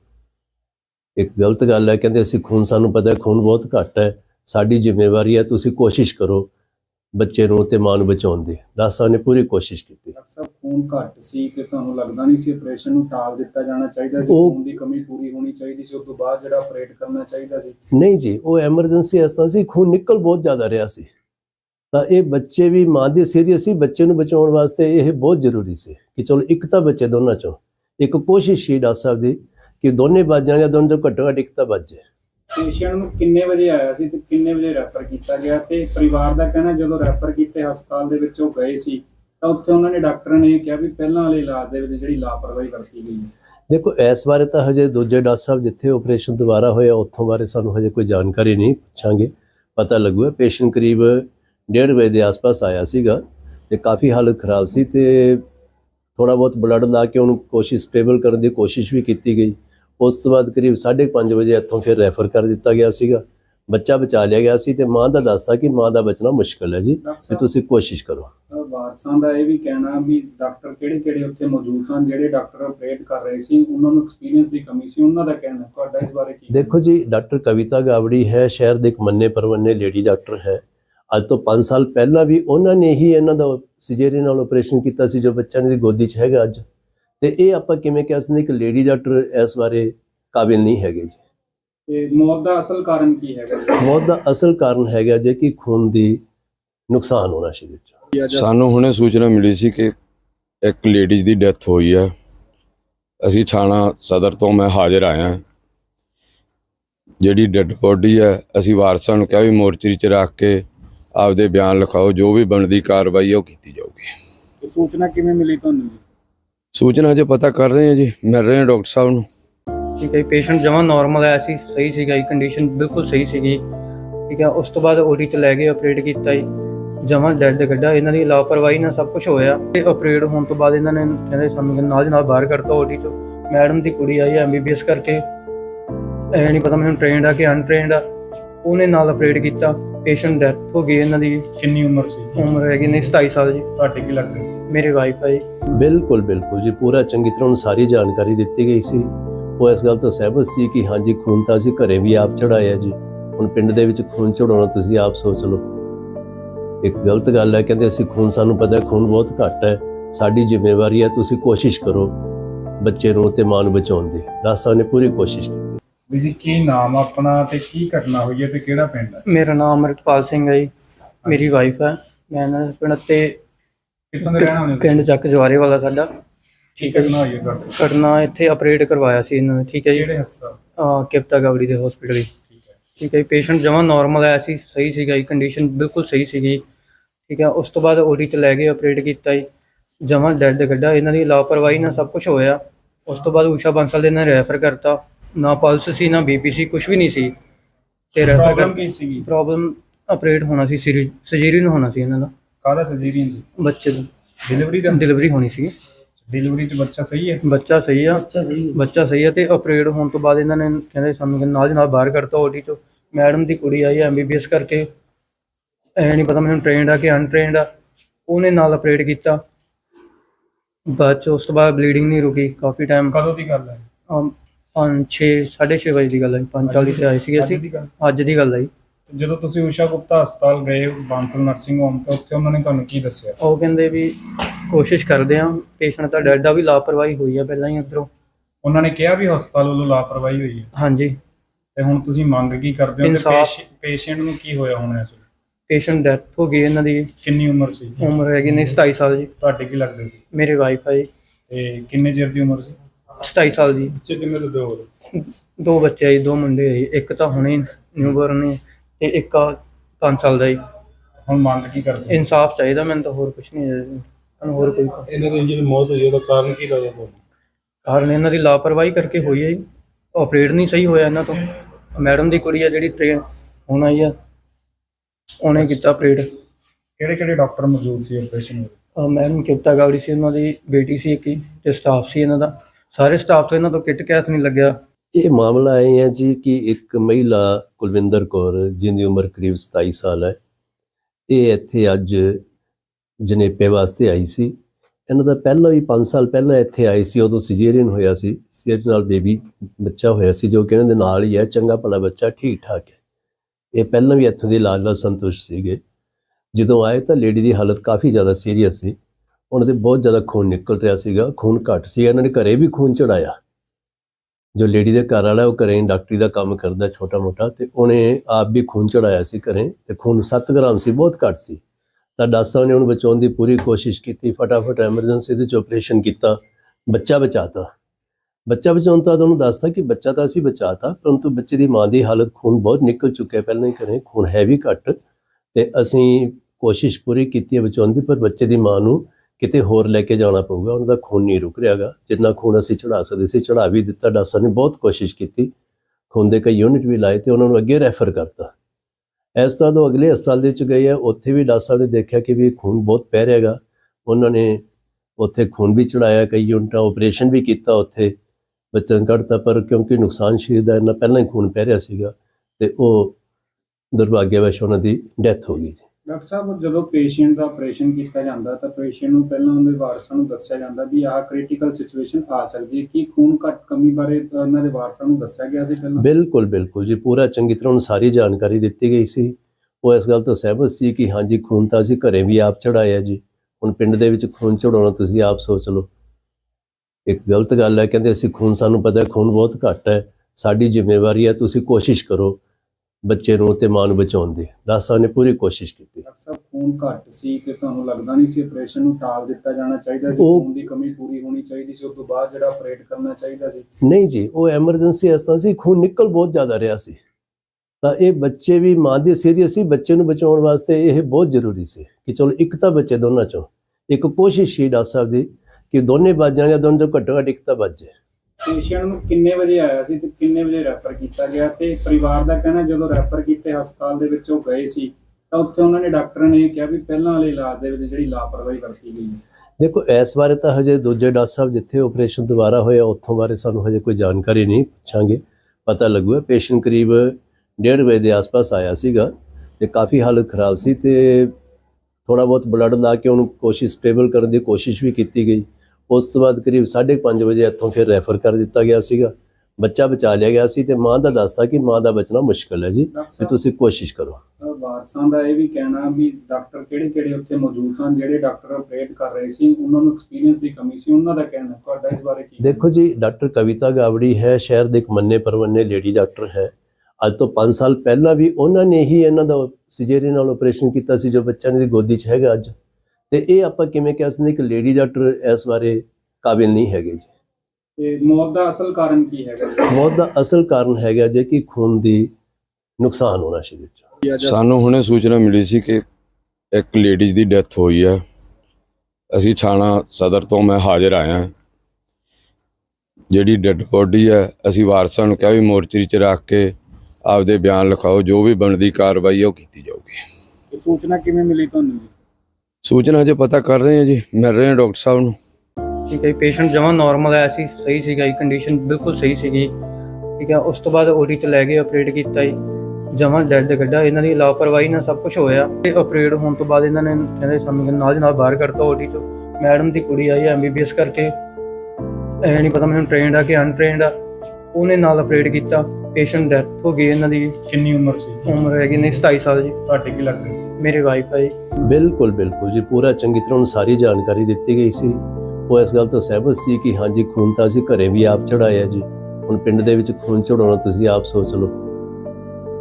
ਇੱਕ ਗਲਤ ਗੱਲ ਹੈ। ਕਹਿੰਦੇ ਅਸੀਂ ਖੂਨ, ਸਾਨੂੰ ਪਤਾ ਹੈ ਖੂਨ ਬਹੁਤ ਘੱਟ ਹੈ, ਸਾਡੀ ਜ਼ਿੰਮੇਵਾਰੀ ਹੈ, ਤੁਸੀਂ ਕੋਸ਼ਿਸ਼ ਕਰੋ ਬੱਚੇ ਨੂੰ ਤੇ ਮਾਂ ਨੂੰ ਬਚਾਉਣ ਦੀ। ਡਾਕਟਰ ਸਾਹਿਬ ਨੇ ਪੂਰੀ ਕੋਸ਼ਿਸ਼ ਕੀਤੀ।
ਡਾਕਟਰ ਸਾਹਿਬ, ਖੂਨ ਘੱਟ ਸੀ ਕਿ ਤੁਹਾਨੂੰ ਲੱਗਦਾ ਨਹੀਂ ਸੀ ਆਪਰੇਸ਼ਨ ਨੂੰ ਟਾਲ ਦਿੱਤਾ ਜਾਣਾ ਚਾਹੀਦਾ ਸੀ,
ਉਹ-
ਖੂਨ ਦੀ ਕਮੀ ਪੂਰੀ ਹੋਣੀ ਚਾਹੀਦੀ ਸੀ, ਉਸ ਤੋਂ ਬਾਅਦ ਜਿਹੜਾ ਆਪਰੇਟ ਕਰਨਾ ਚਾਹੀਦਾ ਸੀ?
ਨਹੀਂ ਜੀ, ਉਹ ਐਮਰਜੈਂਸੀ ਇਸ ਤਰ੍ਹਾਂ ਸੀ, ਖੂਨ ਨਿਕਲ ਬਹੁਤ ਜ਼ਿਆਦਾ ਰਿਹਾ ਸੀ, ਤਾਂ ਇਹ ਬੱਚੇ ਵੀ ਮਾਂ ਦੀ ਸੀਰੀਅਸ ਸੀ, ਬੱਚੇ ਨੂੰ ਬਚਾਉਣ ਵਾਸਤੇ ਇਹ ਬਹੁਤ ਜ਼ਰੂਰੀ ਸੀ ਕਿ ਚਲੋ ਇੱਕ ਤਾਂ ਬੱਚੇ ਦੋਨਾਂ ਚੋਂ, ਇੱਕ ਕੋਸ਼ਿਸ਼ ਸੀ ਡਾਕਟਰ ਸਾਹਿਬ ਦੀ ਕਿ ਦੋਨੇ ਬਚ ਜਾਣ ਜਾਂ ਦੋਨੋਂ ਚੋਂ ਘੱਟੋ ਘੱਟ ਇੱਕ ਤਾਂ ਬਚ ਜਾਏ।
ਪੇਸ਼ੈਂਟ ਨੂੰ ਕਿੰਨੇ ਵਜੇ ਆਇਆ ਸੀ ਤੇ ਕਿੰਨੇ ਵਜੇ ਰੈਫਰ ਕੀਤਾ ਗਿਆ, ਤੇ ਪਰਿਵਾਰ ਦਾ ਕਹਿਣਾ ਜਦੋਂ ਰੈਫਰ ਕੀਤੇ ਹਸਪਤਾਲ ਦੇ ਵਿੱਚ ਉਹ ਗਏ ਸੀ ਤਾਂ ਉੱਥੇ ਉਹਨਾਂ ਨੇ ਡਾਕਟਰ ਨੇ ਕਿਹਾ ਵੀ ਪਹਿਲਾਂ ਵਾਲੇ ਇਲਾਜ ਦੇ ਵਿੱਚ ਜਿਹੜੀ ਲਾਪਰਵਾਹੀ ਵਰਤੀ ਗਈ ਹੈ?
ਦੇਖੋ ਇਸ ਬਾਰੇ ਤਾਂ ਹਜੇ ਦੂਜੇ ਡਾਕਟਰ ਸਾਹਿਬ ਜਿੱਥੇ ਆਪਰੇਸ਼ਨ ਦੁਬਾਰਾ ਹੋਇਆ ਉੱਥੋਂ ਬਾਰੇ ਸਾਨੂੰ ਹਜੇ ਕੋਈ ਜਾਣਕਾਰੀ ਨਹੀਂ, ਪੁੱਛਾਂਗੇ ਪਤਾ ਲੱਗੂਗਾ। ਪੇਸ਼ੈਂਟ ਕਰੀਬ 1:30 ਵਜੇ ਦੇ ਆਸ-ਪਾਸ ਆਇਆ ਸੀਗਾ ਤੇ ਕਾਫੀ ਹਾਲਤ ਖਰਾਬ ਸੀ ਤੇ ਥੋੜਾ ਬਹੁਤ ਬਲੱਡ ਲਾ ਕੇ ਉਹਨੂੰ ਸਟੇਬਲ ਕਰਨ ਦੀ ਕੋਸ਼ਿਸ਼ ਵੀ ਕੀਤੀ ਗਈ। ਉਸ ਤੋਂ ਬਾਅਦ ਕਰੀਬ 5:30 ਵਜੇ ਇੱਥੋਂ ਫਿਰ ਰੈਫਰ ਕਰ ਦਿੱਤਾ ਗਿਆ ਸੀਗਾ, ਬੱਚਾ ਬਚਾ ਲਿਆ ਗਿਆ ਸੀ ਤੇ ਮਾਂ ਦਾ ਦੱਸਦਾ ਕਿ ਮਾਂ ਦਾ ਬਚਣਾ ਮੁਸ਼ਕਲ ਹੈ ਜੀ, ਤੇ ਤੁਸੀਂ ਕੋਸ਼ਿਸ਼ ਕਰੋ।
ਵਾਰਸਾਂ ਦਾ ਇਹ ਵੀ ਕਹਿਣਾ ਵੀ ਡਾਕਟਰ ਕਿਹੜੇ ਉੱਥੇ ਮੌਜੂਦ ਸਨ, ਜਿਹੜੇ ਡਾਕਟਰ ਆਪਰੇਟ ਕਰ ਰਹੇ ਸੀ ਉਹਨਾਂ ਨੂੰ ਐਕਸਪੀਰੀਅੰਸ ਦੀ ਕਮੀ ਸੀ, ਉਹਨਾਂ ਦਾ ਕਹਿਣਾ, ਤੁਹਾਡਾ ਇਸ ਬਾਰੇ ਕੀ?
ਦੇਖੋ ਜੀ, ਡਾਕਟਰ ਕਵਿਤਾ ਗਾਵੜੀ ਹੈ, ਸ਼ਹਿਰ ਦੇ ਇੱਕ ਮੰਨੇ ਪਰਵੰਨੇ ਲੇਡੀ ਡਾਕਟਰ ਹੈ। ਅੱਜ ਤੋਂ 5 ਸਾਲ ਪਹਿਲਾਂ ਵੀ ਉਹਨਾਂ ਨੇ ਹੀ ਇਹਨਾਂ ਦਾ ਸਿਜੇਰੀਅਨ ਨਾਲ ਆਪਰੇਸ਼ਨ ਕੀਤਾ ਸੀ ਜੋ ਬੱਚਾ ਇਹਨਾਂ ਦੀ ਗੋਦੀ 'ਚ ਹੈਗਾ ਅੱਜ, ਤੇ ਇਹ ਆਪਾਂ ਕਿਵੇਂ ਕਹਿ ਸਕਦੇ ਕਿ ਲੇਡੀ ਡਾਕਟਰ ਇਸ ਬਾਰੇ ਕਾਬਿਲ ਨਹੀਂ ਹੈਗੇ ਜੀ।
ਤੇ ਮੌਤ ਦਾ ਅਸਲ ਕਾਰਨ ਕੀ ਹੈਗਾ ਜੀ?
ਮੌਤ ਦਾ ਅਸਲ ਕਾਰਨ ਹੈਗਾ ਜੇ ਕਿ ਖੂਨ ਦੀ ਨੁਕਸਾਨ ਹੋਣਾ ਸਰੀਰ 'ਚ।
ਸਾਨੂੰ ਹੁਣੇ ਸੂਚਨਾ ਮਿਲੀ ਸੀ ਕਿ ਇੱਕ ਲੇਡੀਜ਼ ਦੀ ਡੈਥ ਹੋਈ ਹੈ। ਅਸੀਂ ਥਾਣਾ ਸਦਰ ਤੋਂ ਮੈਂ ਹਾਜ਼ਰ ਆਇਆ। ਜਿਹੜੀ ਡੈੱਡ ਬੋਡੀ ਹੈ ਅਸੀਂ ਵਾਰਸਾਂ ਨੂੰ ਕਿਹਾ ਵੀ ਮੋਰਚਰੀ 'ਚ ਰੱਖ ਕੇ ਆਪਦੇ ਬਿਆਨ ਲਿਖਾਓ, ਜੋ ਵੀ ਬਣਦੀ ਕਾਰਵਾਈ ਹੈ ਉਹ ਕੀਤੀ ਜਾਊਗੀ।
ਤੇ ਸੂਚਨਾ ਕਿਵੇਂ ਮਿਲੀ ਤੁਹਾਨੂੰ?
ਸੂਚਨਾ ਜੇ ਪਤਾ ਕਰ ਰਹੇ ਹਾਂ ਜੀ, ਮਿਲ ਰਹੇ ਹਾਂ ਡਾਕਟਰ ਸਾਹਿਬ ਨੂੰ।
ਠੀਕ ਹੈ, ਪੇਸ਼ੈਂਟ ਜਮਾਂ ਨਾਰਮਲ ਆਇਆ ਸੀ, ਸਹੀ ਸੀਗਾ ਜੀ, ਕੰਡੀਸ਼ਨ ਬਿਲਕੁਲ ਸਹੀ ਸੀਗੀ। ਠੀਕ ਹੈ, ਉਸ ਤੋਂ ਬਾਅਦ ਓਡੀ 'ਚ ਲੈ ਗਏ, ਆਪਰੇਟ ਕੀਤਾ ਜੀ, ਜਮਾਂ ਡੈਡ ਕੱਢਾ। ਇਹਨਾਂ ਦੀ ਲਾਪਰਵਾਹੀ ਨਾਲ ਸਭ ਕੁਝ ਹੋਇਆ ਤੇ ਆਪਰੇਟ ਹੋਣ ਤੋਂ ਬਾਅਦ ਇਹਨਾਂ ਨੇ ਕਹਿੰਦੇ ਸਾਨੂੰ ਨਾਲ ਦੀ ਨਾਲ ਬਾਹਰ ਕੱਢਤਾ ਓਡੀ 'ਚੋਂ। ਮੈਡਮ ਦੀ ਕੁੜੀ ਆਈ MBBS ਕਰਕੇ, ਇਹ ਨਹੀਂ ਪਤਾ ਮੈਨੂੰ ਟ੍ਰੇਨਡ ਆ ਕਿ ਅਨਟ੍ਰੇਨਡ ਆ, ਉਹਨੇ ਨਾਲ ਆਪਰੇਟ ਕੀਤਾ, ਪੇਸ਼ੈਂਟ ਡੈਥ ਹੋ ਗਈ। ਇਹਨਾਂ ਦੀ
ਕਿੰਨੀ ਉਮਰ ਸੀ?
ਉਮਰ ਹੈਗੀ ਨੇ 27 ਸਾਲ ਜੀ।
ਤੁਹਾਡੇ ਕੀ ਲੱਗਦਾ ਸੀ?
ਮੇਰੀ ਵਾਈਫ ਹੈ ਜੀ।
ਬਿਲਕੁਲ ਬਿਲਕੁਲ ਜੀ, ਪੂਰਾ ਚੰਗੀ ਤਰ੍ਹਾਂ ਉਹਨੂੰ ਸਾਰੀ ਜਾਣਕਾਰੀ ਦਿੱਤੀ ਗਈ ਸੀ। ਉਹ ਇਸ ਗੱਲ ਤੋਂ ਸਹਿਮਤ ਸੀ ਕਿ ਹਾਂਜੀ ਖੂਨ ਤਾਂ ਅਸੀਂ ਘਰੇ ਵੀ ਆਪ ਚੜਾਇਆ ਜੀ, ਹੁਣ ਪਿੰਡ ਦੇ ਵਿੱਚ ਖੂਨ ਚੜਾਉਣਾ ਤੁਸੀਂ ਆਪ ਸੋਚ ਲਓ, ਇੱਕ ਗਲਤ ਗੱਲ ਹੈ। ਕਹਿੰਦੇ ਅਸੀਂ ਖੂਨ, ਸਾਨੂੰ ਪਤਾ ਹੈ ਖੂਨ ਬਹੁਤ ਘੱਟ ਹੈ, ਸਾਡੀ ਜ਼ਿੰਮੇਵਾਰੀ ਹੈ, ਤੁਸੀਂ ਕੋਸ਼ਿਸ਼ ਕਰੋ ਬੱਚੇ ਨੂੰ ਤੇ ਮਾਂ ਨੂੰ ਬਚਾਉਣ ਦੀ। ਡਾਕਟਰ ਸਾਹਿਬ ਨੇ ਪੂਰੀ ਕੋਸ਼ਿਸ਼ ਕੀਤੀ।
ਵੀ ਜੀ ਕੀ ਨਾਮ ਆਪਣਾ ਤੇ ਕੀ ਘਟਨਾ ਹੋਈ ਹੈ ਤੇ ਕਿਹੜਾ ਪਿੰਡ ਹੈ?
ਮੇਰਾ ਨਾਮ ਅਮਰਿਤਪਾਲ ਸਿੰਘ ਹੈ ਜੀ, ਮੇਰੀ ਵਾਈਫ ਹੈ। ਮੈਂ ਇਹਨਾਂ ਦੇ ਪਿੰਡ ਤੇ
ਕਿੱਥੋਂ ਦੇ ਰਹਿਣ ਵਾਲੇ ਹੋ?
ਪਿੰਡ ਚੱਕ ਜਵਾਰੇ ਵਾਲਾ ਸਾਡਾ। ਠੀਕ ਹੈ ਜੀ,
ਘਟਨਾ ਹੋਈ ਹੈ ਤੁਹਾਡੇ?
ਕਰਨਾ ਇੱਥੇ ਆਪਰੇਟ ਕਰਵਾਇਆ ਸੀ ਇਹਨਾਂ ਨੇ। ਠੀਕ ਹੈ ਜੀ,
ਕਿਹੜੇ ਹਸਪਤਾਲ?
ਕਿਪਤਾ ਗਵੜੀ ਦੇ ਹਸਪੀਟਲ।
ਠੀਕ ਹੈ।
ਠੀਕ ਹੈ ਜੀ, ਪੇਸ਼ੈਂਟ ਜਮਾਂ ਨਾਰਮਲ ਆਇਆ ਸੀ, ਸਹੀ ਸੀਗਾ ਜੀ, ਕੰਡੀਸ਼ਨ ਬਿਲਕੁਲ ਸਹੀ ਸੀਗੀ। ਠੀਕ ਹੈ, ਉਸ ਤੋਂ ਬਾਅਦ ਓਡੀ 'ਚ ਲੈ ਗਏ, ਆਪਰੇਟ ਕੀਤਾ ਜੀ, ਜਮਾਂ ਡੈਡ ਕੱਢਾ। ਇਹਨਾਂ ਦੀ ਲਾਪਰਵਾਹੀ ਨਾਲ ਸਭ ਕੁਝ ਹੋਇਆ। ਉਸ ਤੋਂ ਬਾਅਦ ਊਸ਼ਾ ਬੰਸਲ ਦੇ ਨਾਲ ਰੈਫਰ ਕਰਤਾ, ਨਾ ਪਲਸ ਸੀ ਨਾ BP ਸੀ, ਕੁਝ ਵੀ ਨਹੀਂ ਸੀ। ਤੇ
ਪ੍ਰੋਬਲਮ ਕੀ ਸੀਗੀ?
ਪ੍ਰੋਬਲਮ ਆਪਰੇਟ ਹੋਣਾ ਸੀ, ਸਰਜਰੀਨ ਹੋਣਾ ਸੀ ਇਹਨਾਂ ਦਾ,
ਕਾਹਦਾ ਸਰਜਰੀਨ ਸੀ?
ਬੱਚੇ ਦੀ
ਡਿਲੀਵਰੀ ਦਾ?
ਡਿਲੀਵਰੀ ਹੋਣੀ ਸੀ।
ਡਿਲੀਵਰੀ 'ਚ ਬੱਚਾ ਸਹੀ ਹੈ?
ਬੱਚਾ ਸਹੀ ਆ, ਬੱਚਾ ਸਹੀ ਆ। ਤੇ ਆਪਰੇਟ ਹੋਣ ਤੋਂ ਬਾਅਦ ਇਹਨਾਂ ਨੇ ਕਹਿੰਦੇ ਸਾਨੂੰ ਨਾਲ ਦੀ ਨਾਲ ਬਾਹਰ ਕੱਢਤਾ ਓਡੀ 'ਚੋਂ। ਮੈਡਮ ਦੀ ਕੁੜੀ ਆਈ MBBS ਕਰਕੇ, ਇਹ ਨਹੀਂ ਪਤਾ ਮੈਨੂੰ ਟ੍ਰੇਨਡ ਆ ਕਿ ਅਨਟ੍ਰੇਨਡ ਆ, ਉਹਨੇ ਨਾਲ ਆਪਰੇਟ ਕੀਤਾ। ਬਾਅਦ 'ਚ ਉਸ ਤੋਂ ਬਾਅਦ ਬਲੀਡਿੰਗ ਨਹੀਂ ਰੁਕੀ ਕਾਫੀ ਟਾਈਮ।
ਕਦੋਂ ਦੀ ਗੱਲ ਹੈ?
6:30 ਵਜੇ ਦੀ ਗੱਲ ਹੈ, 5:40 ਤੇ ਆਏ ਸੀਗੇ ਅਸੀਂ। ਅੱਜ ਦੀ ਗੱਲ ਹੈ ਜੀ।
ਜਦੋਂ ਤੁਸੀਂ ਊਸ਼ਾ ਗੁਪਤਾ ਹਸਪਤਾਲ ਗਏ ਬਾਂਸਲ ਨਰਸਿੰਗ ਹੋਮ ਤੇ, ਉੱਥੇ ਉਹਨਾਂ ਨੇ ਤੁਹਾਨੂੰ ਕੀ ਦੱਸਿਆ?
ਉਹ ਕਹਿੰਦੇ ਵੀ ਕੋਸ਼ਿਸ਼ ਕਰਦੇ ਆ, ਪੇਸ਼ੈਂਟ ਤਾਂ ਡੈਡ ਆ, ਵੀ ਲਾਪਰਵਾਹੀ ਹੋਈ ਆ ਪਹਿਲਾਂ ਹੀ ਉੱਧਰੋਂ।
ਉਹਨਾਂ ਨੇ ਕਿਹਾ ਵੀ ਹਸਪਤਾਲ ਵੱਲੋਂ ਲਾਪਰਵਾਹੀ ਹੋਈ ਹੈ?
ਹਾਂਜੀ,
ਤੇ ਹੁਣ ਤੁਸੀਂ ਮੰਗ ਕੀ ਕਰਦੇ ਹੋ ਤੇ
ਇਨਸਾਫ਼।
ਪੇਸ਼ੈਂਟ ਨੂੰ ਕੀ ਹੋਇਆ ਹੋਣਾ ਇਸ ਵੇਲੇ?
ਪੇਸ਼ੈਂਟ ਡੈਥ ਹੋ ਗਈ, ਇਹਨਾਂ ਦੀ
ਕਿੰਨੀ ਉਮਰ ਸੀ?
ਉਮਰ ਹੈਗੀ ਨੇ 27 ਸਾਲ ਜੀ।
ਤੁਹਾਡੇ ਕੀ ਲੱਗਦੇ ਸੀ?
ਮੇਰੇ ਵਾਈਫ ਹੈ ਜੀ,
ਤੇ ਕਿੰਨੇ ਚਿਰ ਦੀ ਉਮਰ ਸੀ?
27 ਸਾਲ ਜੀ।
ਬੱਚੇ ਕਿੰਨੇ ਦੇ ਦੋ?
ਦੋ ਬੱਚੇ ਆ ਜੀ, ਦੋ ਮੁੰਡੇ ਆ ਜੀ। ਇੱਕ ਤਾਂ ਹੁਣੇ ਨਿਊਬਰਨ ਨੇ ਤੇ ਇੱਕ 5 ਸਾਲ ਦਾ ਜੀ।
ਹੁਣ ਮੰਗ ਕੀ ਕਰਦੇ?
ਇਨਸਾਫ ਚਾਹੀਦਾ ਮੈਨੂੰ ਤਾਂ, ਹੋਰ ਕੁਝ ਨਹੀਂ ਹੈ ਜੀ। ਮੈਨੂੰ ਹੋਰ ਕੋਈ
ਇਹਨਾਂ ਦੀ ਜਿਹੜੀ ਮੌਤ ਹੋਈ ਉਹਦਾ ਕਾਰਨ ਕੀ ਲੱਗਦਾ ਤੁਹਾਨੂੰ?
ਕਾਰਨ ਇਹਨਾਂ ਦੀ ਲਾਪਰਵਾਹੀ ਕਰਕੇ ਹੋਈ ਹੈ ਜੀ। ਆਪਰੇਟ ਨਹੀਂ ਸਹੀ ਹੋਇਆ ਇਹਨਾਂ ਤੋਂ। ਮੈਡਮ ਦੀ ਕੁੜੀ ਆ ਜਿਹੜੀ ਟ੍ਰੇਨ ਹੁਣ ਆਈ ਆ, ਉਹਨੇ ਕੀਤਾ ਆਪਰੇਟ।
ਕਿਹੜੇ ਕਿਹੜੇ ਡਾਕਟਰ ਮੌਜੂਦ ਸੀ ਆਪਰੇਸ਼ਨ ਵਿੱਚ?
ਮੈਡਮ ਕਿਪਤਾ ਗਾਵੜੀ ਸੀ, ਉਹਨਾਂ ਦੀ ਬੇਟੀ ਸੀ ਇੱਕ ਹੀ, ਤੇ ਸਟਾਫ ਸੀ ਇਹਨਾਂ ਦਾ। ਸਾਰੇ ਸਟਾਫ ਤੋਂ ਇਹਨਾਂ ਤੋਂ ਕਿਟ ਕੈਸ ਨਹੀਂ ਲੱਗਿਆ।
ਇਹ ਮਾਮਲਾ ਇਹ ਹੈ ਜੀ ਕਿ ਇੱਕ ਮਹਿਲਾ ਕੁਲਵਿੰਦਰ ਕੌਰ ਜਿਹਦੀ ਉਮਰ ਕਰੀਬ 27 ਸਾਲ ਹੈ, ਇਹ ਇੱਥੇ ਅੱਜ ਜਨੇਪੇ ਵਾਸਤੇ ਆਈ ਸੀ। ਇਹਨਾਂ ਦਾ ਪਹਿਲਾਂ ਵੀ 5 ਸਾਲ ਪਹਿਲਾਂ ਇੱਥੇ ਆਈ ਸੀ, ਉਦੋਂ ਸਿਜੇਰੀਅਨ ਹੋਇਆ ਸੀ। ਸਿਜੇਰੀਅਨ ਨਾਲ ਬੇਬੀ ਬੱਚਾ ਹੋਇਆ ਸੀ ਜੋ ਕਿ ਇਹਨਾਂ ਦੇ ਨਾਲ ਹੀ ਹੈ, ਚੰਗਾ ਭਲਾ ਬੱਚਾ, ਠੀਕ ਠਾਕ ਹੈ। ਇਹ ਪਹਿਲਾਂ ਵੀ ਇੱਥੋਂ ਦੇ ਇਲਾਜ ਨਾਲ ਸੰਤੁਸ਼ਟ ਸੀਗੇ। ਜਦੋਂ ਆਏ ਤਾਂ ਲੇਡੀ ਦੀ ਹਾਲਤ ਕਾਫੀ ਜ਼ਿਆਦਾ ਸੀਰੀਅਸ ਸੀ। ਉਹਨਾਂ ਦੇ ਬਹੁਤ ਜ਼ਿਆਦਾ ਖੂਨ ਨਿਕਲ ਰਿਹਾ ਸੀਗਾ, ਖੂਨ ਘੱਟ ਸੀ। ਇਹਨਾਂ ਨੇ ਘਰੇ ਵੀ ਖੂਨ ਚੜਾਇਆ। ਜੋ ਲੇਡੀ ਦੇ ਘਰ ਵਾਲਾ ਉਹ ਘਰੇ ਡਾਕਟਰੀ ਦਾ ਕੰਮ ਕਰਦਾ ਛੋਟਾ ਮੋਟਾ, ਤੇ ਉਹਨੇ ਆਪ ਵੀ ਖੂਨ ਚੜਾਇਆ ਸੀ ਘਰੇ, ਤੇ ਖੂਨ 7 ਗ੍ਰਾਮ ਸੀ, ਬਹੁਤ ਘੱਟ ਸੀ। ਤਾਂ ਡਾਕਟਰ ਸਾਹਿਬ ਨੇ ਉਹਨੂੰ ਬਚਾਉਣ ਦੀ ਪੂਰੀ ਕੋਸ਼ਿਸ਼ ਕੀਤੀ, ਫਟਾਫਟ ਐਮਰਜੈਂਸੀ ਦੇ 'ਚ ਆਪਰੇਸ਼ਨ ਕੀਤਾ, ਬੱਚਾ ਬਚਾਤਾ। ਬੱਚਾ ਬਚਾਉਣ ਤੋਂ ਬਾਅਦ ਉਹਨੂੰ ਦੱਸਤਾ ਕਿ ਬੱਚਾ ਤਾਂ ਅਸੀਂ ਬਚਾਤਾ, ਪਰੰਤੂ ਬੱਚੇ ਦੀ ਮਾਂ ਦੀ ਹਾਲਤ ਖੂਨ ਬਹੁਤ ਨਿਕਲ ਚੁੱਕਿਆ ਪਹਿਲਾਂ ਹੀ ਘਰੇ, ਖੂਨ ਹੈ ਵੀ ਘੱਟ, ਤੇ ਅਸੀਂ ਕੋਸ਼ਿਸ਼ ਪੂਰੀ ਕੀਤੀ ਹੈ ਬਚਾਉਣ ਦੀ, ਪਰ ਬੱਚੇ ਦੀ ਮਾਂ ਨੂੰ ਕਿਤੇ ਹੋਰ ਲੈ ਕੇ ਜਾਣਾ ਪਊਗਾ। ਉਹਨਾਂ ਦਾ ਖੂਨ ਨਹੀਂ ਰੁਕ ਰਿਹਾਗਾ। ਜਿੰਨਾ ਖੂਨ ਅਸੀਂ ਚੜਾ ਸਕਦੇ ਸੀ ਚੜਾ ਵੀ ਦਿੱਤਾ। ਡਾਕਟਰ ਸਾਹਿਬ ਨੇ ਬਹੁਤ ਕੋਸ਼ਿਸ਼ ਕੀਤੀ, ਖੂਨ ਦੇ ਕਈ ਯੂਨਿਟ ਵੀ ਲਾਏ ਤੇ ਉਹਨਾਂ ਨੂੰ ਅੱਗੇ ਰੈਫਰ ਕਰਤਾ। ਇਸ ਤੋਂ ਬਾਅਦ ਉਹ ਅਗਲੇ ਹਸਪਤਾਲ ਦੇ ਵਿੱਚ ਗਏ ਆ, ਉੱਥੇ ਵੀ ਡਾਕਟਰ ਸਾਹਿਬ ਨੇ ਦੇਖਿਆ ਕਿ ਵੀ ਖੂਨ ਬਹੁਤ ਪੈ ਰਿਹਾਗਾ। ਉਹਨਾਂ ਨੇ ਉੱਥੇ ਖੂਨ ਵੀ ਚੜਾਇਆ, ਕਈ ਯੂਨਿਟਾਂ, ਆਪਰੇਸ਼ਨ ਵੀ ਕੀਤਾ, ਉੱਥੇ ਬੱਚਾ ਕੱਢਤਾ, ਪਰ ਕਿਉਂਕਿ ਨੁਕਸਾਨ ਸਰੀਰ ਦਾ ਇੰਨਾ ਪਹਿਲਾਂ ਹੀ ਖੂਨ ਪੈ ਰਿਹਾ ਸੀਗਾ ਤੇ ਉਹ ਦੁਰਭਾਗਿਆਵਸ਼ ਉਹਨਾਂ ਦੀ ਡੈਥ ਹੋ ਗਈ ਜੀ।
ਡਾਕਟਰ ਸਾਹਿਬ, ਜਦੋਂ ਪੇਸ਼ੈਂਟ ਦਾ ਆਪਰੇਸ਼ਨ ਕੀਤਾ ਜਾਂਦਾ ਤਾਂ ਪੇਸ਼ੈਂਟ ਨੂੰ ਪਹਿਲਾਂ ਉਹਦੇ ਵਾਰਸਾਂ ਨੂੰ ਦੱਸਿਆ ਜਾਂਦਾ ਵੀ ਆਹ ਕ੍ਰਿਟੀਕਲ ਸਿਚੁਏਸ਼ਨ ਆ ਸਕਦੀ ਹੈ। ਕੀ ਖੂਨ ਘੱਟ ਕਮੀ ਬਾਰੇ ਉਹਨਾਂ ਦੇ ਵਾਰਸਾਂ ਨੂੰ ਦੱਸਿਆ ਗਿਆ ਸੀ ਪਹਿਲਾਂ?
ਬਿਲਕੁਲ ਬਿਲਕੁਲ ਜੀ, ਪੂਰਾ ਚੰਗੀ ਤਰ੍ਹਾਂ ਉਹਨੂੰ ਸਾਰੀ ਜਾਣਕਾਰੀ ਦਿੱਤੀ ਗਈ ਸੀ। ਉਹ ਇਸ ਗੱਲ ਤੋਂ ਸਹਿਮਤ ਸੀ ਕਿ ਹਾਂਜੀ ਖੂਨ ਤਾਂ ਅਸੀਂ ਘਰੇ ਵੀ ਆਪ ਚੜਾਇਆ ਜੀ, ਹੁਣ ਪਿੰਡ ਦੇ ਵਿੱਚ ਖੂਨ ਚੜਾਉਣਾ ਤੁਸੀਂ ਆਪ ਸੋਚ ਲਓ, ਇੱਕ ਗਲਤ ਗੱਲ ਹੈ। ਕਹਿੰਦੇ ਅਸੀਂ ਖੂਨ, ਸਾਨੂੰ ਪਤਾ ਖੂਨ ਬਹੁਤ ਘੱਟ ਹੈ, ਸਾਡੀ ਜ਼ਿੰਮੇਵਾਰੀ ਹੈ, ਤੁਸੀਂ ਕੋਸ਼ਿਸ਼ ਕਰੋ ਬੱਚੇ ਨੂੰ ਤੇ ਮਾਂ ਨੂੰ ਬਚਾਉਣ ਦੀ। ਡਾਕਟਰ ਸਾਹਿਬ ਨੇ ਪੂਰੀ ਕੋਸ਼ਿਸ਼ ਕੀਤੀ।
ਡਾਕਟਰ ਸਾਹਿਬ, ਖੂਨ ਘੱਟ ਸੀ ਤੇ ਤੁਹਾਨੂੰ ਲੱਗਦਾ ਨਹੀਂ ਸੀ ਆਪਰੇਸ਼ਨ ਨੂੰ ਟਾਲ ਦਿੱਤਾ ਜਾਣਾ ਚਾਹੀਦਾ ਸੀ?
ਉਹ-
ਖੂਨ ਦੀ ਕਮੀ ਪੂਰੀ ਹੋਣੀ ਚਾਹੀਦੀ ਸੀ, ਉਸ ਤੋਂ ਬਾਅਦ ਜਿਹੜਾ ਆਪਰੇਟ ਕਰਨਾ ਚਾਹੀਦਾ ਸੀ?
ਨਹੀਂ ਜੀ, ਉਹ ਐਮਰਜੈਂਸੀ ਇਸ ਤਰ੍ਹਾਂ ਸੀ, ਖੂਨ ਨਿਕਲ ਬਹੁਤ ਜ਼ਿਆਦਾ ਰਿਹਾ ਸੀ, ਤਾਂ ਇਹ ਬੱਚੇ ਵੀ ਮਾਂ ਦੇ ਸੀਰੀਅਸ ਸੀ। ਬੱਚੇ ਨੂੰ ਬਚਾਉਣ ਵਾਸਤੇ ਇਹ ਬਹੁਤ ਜ਼ਰੂਰੀ ਸੀ ਕਿ ਚਲੋ ਇੱਕ ਤਾਂ ਬੱਚੇ ਦੋਨਾਂ ਚੋਂ, ਇੱਕ ਕੋਸ਼ਿਸ਼ ਸੀ ਡਾਕਟਰ ਸਾਹਿਬ ਦੀ ਕਿ ਦੋਨੇ ਬਚ ਜਾਣ ਜਾਂ ਦੋਨੋਂ ਚੋਂ ਘੱਟੋ ਘੱਟ ਇੱਕ ਤਾਂ ਬਚ ਜਾਏ।
ਪੇਸ਼ੈਂਟ ਨੂੰ ਕਿੰਨੇ ਵਜੇ ਆਇਆ ਸੀ ਤੇ ਕਿੰਨੇ ਵਜੇ ਰੈਫਰ ਕੀਤਾ ਗਿਆ? ਤੇ ਪਰਿਵਾਰ ਦਾ ਕਹਿਣਾ ਜਦੋਂ ਰੈਫਰ ਕੀਤੇ ਹਸਪਤਾਲ ਦੇ ਵਿੱਚ ਉਹ ਗਏ ਸੀ ਤਾਂ ਉੱਥੇ ਉਹਨਾਂ ਨੇ, ਡਾਕਟਰ ਨੇ ਕਿਹਾ ਵੀ ਪਹਿਲਾਂ ਵਾਲੇ ਇਲਾਜ ਦੇ ਵਿੱਚ ਜਿਹੜੀ ਲਾਪਰਵਾਹੀ ਵਰਤੀ ਗਈ ਹੈ।
ਦੇਖੋ ਇਸ ਬਾਰੇ ਤਾਂ ਹਜੇ ਦੂਜੇ ਡਾਕਟਰ ਸਾਹਿਬ ਜਿੱਥੇ ਆਪਰੇਸ਼ਨ ਦੁਬਾਰਾ ਹੋਇਆ ਉੱਥੋਂ ਬਾਰੇ ਸਾਨੂੰ ਹਜੇ ਕੋਈ ਜਾਣਕਾਰੀ ਨਹੀਂ, ਪੁੱਛਾਂਗੇ, ਪਤਾ ਲੱਗੂਗਾ। ਪੇਸ਼ੈਂਟ ਕਰੀਬ 1:30 ਵਜੇ ਦੇ ਆਸ-ਪਾਸ ਆਇਆ ਸੀਗਾ ਤੇ ਕਾਫੀ ਹਾਲਤ ਖਰਾਬ ਸੀ, ਤੇ ਥੋੜਾ ਬਹੁਤ ਬਲੱਡ ਲਾ ਕੇ ਉਹਨੂੰ ਕੋਸ਼ਿਸ਼ ਸਟੇਬਲ ਕਰਨ ਦੀ ਕੋਸ਼ਿਸ਼ ਵੀ ਕੀਤੀ ਗਈ। ਉਸ ਤੋਂ ਬਾਅਦ ਕਰੀਬ 5:30 ਵਜੇ ਇੱਥੋਂ ਫਿਰ ਰੈਫਰ ਕਰ ਦਿੱਤਾ ਗਿਆ ਸੀਗਾ। ਬੱਚਾ ਬਚਾ ਲਿਆ ਗਿਆ ਸੀ ਤੇ ਮਾਂ ਦਾ ਦੱਸਦਾ ਕਿ ਮਾਂ ਦਾ ਬਚਣਾ ਮੁਸ਼ਕਲ ਹੈ ਜੀ, ਤੇ ਤੁਸੀਂ ਕੋਸ਼ਿਸ਼ ਕਰੋ।
ਵਾਰਸਾਂ ਦਾ ਇਹ ਵੀ ਕਹਿਣਾ ਵੀ ਡਾਕਟਰ ਕਿਹੜੇ ਉੱਥੇ ਮੌਜੂਦ ਸਨ, ਜਿਹੜੇ ਡਾਕਟਰ ਆਪਰੇਟ ਕਰ ਰਹੇ ਸੀ ਉਹਨਾਂ ਨੂੰ ਐਕਸਪੀਰੀਅੰਸ ਦੀ ਕਮੀ ਸੀ, ਉਹਨਾਂ ਦਾ ਕਹਿਣਾ। ਤੁਹਾਡਾ ਇਸ ਬਾਰੇ ਕੀ?
ਦੇਖੋ ਜੀ, ਡਾਕਟਰ ਕਵਿਤਾ ਗਾਵੜੀ ਹੈ, ਸ਼ਹਿਰ ਦੇ ਇੱਕ ਮੰਨੇ ਪਰਵੰਨੇ ਲੇਡੀ ਡਾਕਟਰ ਹੈ। ਅੱਜ ਤੋਂ 5 ਸਾਲ ਪਹਿਲਾਂ ਵੀ ਉਹਨਾਂ ਨੇ ਹੀ ਇਹਨਾਂ ਦਾ ਸਿਜੇਰੀਅਨ ਨਾਲ ਆਪਰੇਸ਼ਨ ਕੀਤਾ ਸੀ ਜੋ ਬੱਚਾ ਇਹਨਾਂ ਦੀ ਗੋਦੀ 'ਚ ਹੈਗਾ ਅੱਜ। ਤੇ ਇਹ ਆਪਾਂ ਕਿਵੇਂ ਕਹਿ ਸਕਦੇ ਕਿ ਲੇਡੀ ਡਾਕਟਰ ਇਸ ਬਾਰੇ ਕਾਬਿਲ ਨਹੀਂ ਹੈਗੇ ਜੀ।
ਤੇ ਮੌਤ ਦਾ ਅਸਲ ਕਾਰਨ ਕੀ ਹੈਗਾ ਜੀ?
ਮੌਤ ਦਾ ਅਸਲ ਕਾਰਨ ਹੈਗਾ ਜੇ ਕਿ ਖੂਨ ਦੀ ਨੁਕਸਾਨ ਹੋਣਾ ਸਰੀਰ 'ਚ।
ਸਾਨੂੰ ਹੁਣੇ ਸੂਚਨਾ ਮਿਲੀ ਸੀ ਕਿ ਇੱਕ ਲੇਡੀਜ਼ ਦੀ ਡੈਥ ਹੋਈ ਹੈ। ਅਸੀਂ ਥਾਣਾ ਸਦਰ ਤੋਂ ਮੈਂ ਹਾਜ਼ਰ ਆਇਆ। ਜਿਹੜੀ ਡੈੱਡ ਬੋਡੀ ਹੈ ਅਸੀਂ ਵਾਰਸਾਂ ਨੂੰ ਕਿਹਾ ਵੀ ਮੋਰਚਰੀ 'ਚ ਰੱਖ ਕੇ ਆਪਦੇ ਬਿਆਨ ਲਿਖਾਓ, ਜੋ ਵੀ ਬਣਦੀ ਕਾਰਵਾਈ ਹੈ ਉਹ ਕੀਤੀ ਜਾਊਗੀ।
ਇਹ ਸੂਚਨਾ ਕਿਵੇਂ ਮਿਲੀ ਤੁਹਾਨੂੰ ਜੀ?
ਸੂਚਨਾ ਹਜੇ ਪਤਾ ਕਰ ਰਹੇ ਹਾਂ ਜੀ, ਮਿਲ ਰਹੇ ਹਾਂ ਡਾਕਟਰ ਸਾਹਿਬ ਨੂੰ।
ਠੀਕ ਹੈ, ਪੇਸ਼ੈਂਟ ਜਮਾਂ ਨਾਰਮਲ ਆਇਆ ਸੀ, ਸਹੀ ਸੀਗਾ ਜੀ, ਕੰਡੀਸ਼ਨ ਬਿਲਕੁਲ ਸਹੀ ਸੀਗੀ। ਠੀਕ ਹੈ, ਉਸ ਤੋਂ ਬਾਅਦ ਓਡੀ 'ਚ ਲੈ ਗਏ, ਆਪਰੇਟ ਕੀਤਾ ਜੀ, ਜਮਾਂ ਡੈਡ ਕੱਢਾ। ਇਹਨਾਂ ਦੀ ਲਾਪਰਵਾਹੀ ਨਾਲ ਸਭ ਕੁਝ ਹੋਇਆ ਤੇ ਆਪਰੇਟ ਹੋਣ ਤੋਂ ਬਾਅਦ ਇਹਨਾਂ ਨੇ ਕਹਿੰਦੇ ਸਾਨੂੰ ਨਾਲ ਦੀ ਨਾਲ ਬਾਹਰ ਕੱਢਤਾ ਓਡੀ 'ਚੋਂ। ਮੈਡਮ ਦੀ ਕੁੜੀ ਆਈ MBBS ਕਰਕੇ, ਇਹ ਨਹੀਂ ਪਤਾ ਮੈਨੂੰ ਟ੍ਰੇਨਡ ਆ ਕਿ ਅਨਟ੍ਰੇਨਡ ਆ, ਉਹਨੇ ਨਾਲ ਆਪਰੇਟ ਕੀਤਾ। ਪੇਸ਼ੈਂਟ ਡੈਥ ਹੋ ਗਈ। ਇਹਨਾਂ ਦੀ
ਕਿੰਨੀ ਉਮਰ ਸੀ?
ਉਮਰ ਹੈਗੀ ਨੇ 27 ਸਾਲ ਜੀ।
ਤੁਹਾਡੇ ਕੀ ਲੱਗਦੇ ਸੀ?
ਮੇਰੇ ਵਾਈਫ ਹੈ ਜੀ।
ਬਿਲਕੁਲ ਬਿਲਕੁਲ ਜੀ, ਪੂਰਾ ਚੰਗੀ ਤਰ੍ਹਾਂ ਉਹਨੂੰ ਸਾਰੀ ਜਾਣਕਾਰੀ ਦਿੱਤੀ ਗਈ ਸੀ। ਉਹ ਇਸ ਗੱਲ ਤੋਂ ਸਹਿਮਤ ਸੀ ਕਿ ਹਾਂਜੀ ਖੂਨ ਤਾਂ ਅਸੀਂ ਘਰੇ ਵੀ ਆਪ ਚੜਾਇਆ ਜੀ, ਹੁਣ ਪਿੰਡ ਦੇ ਵਿੱਚ ਖੂਨ ਚੜਾਉਣਾ ਤੁਸੀਂ ਆਪ ਸੋਚ ਲਓ,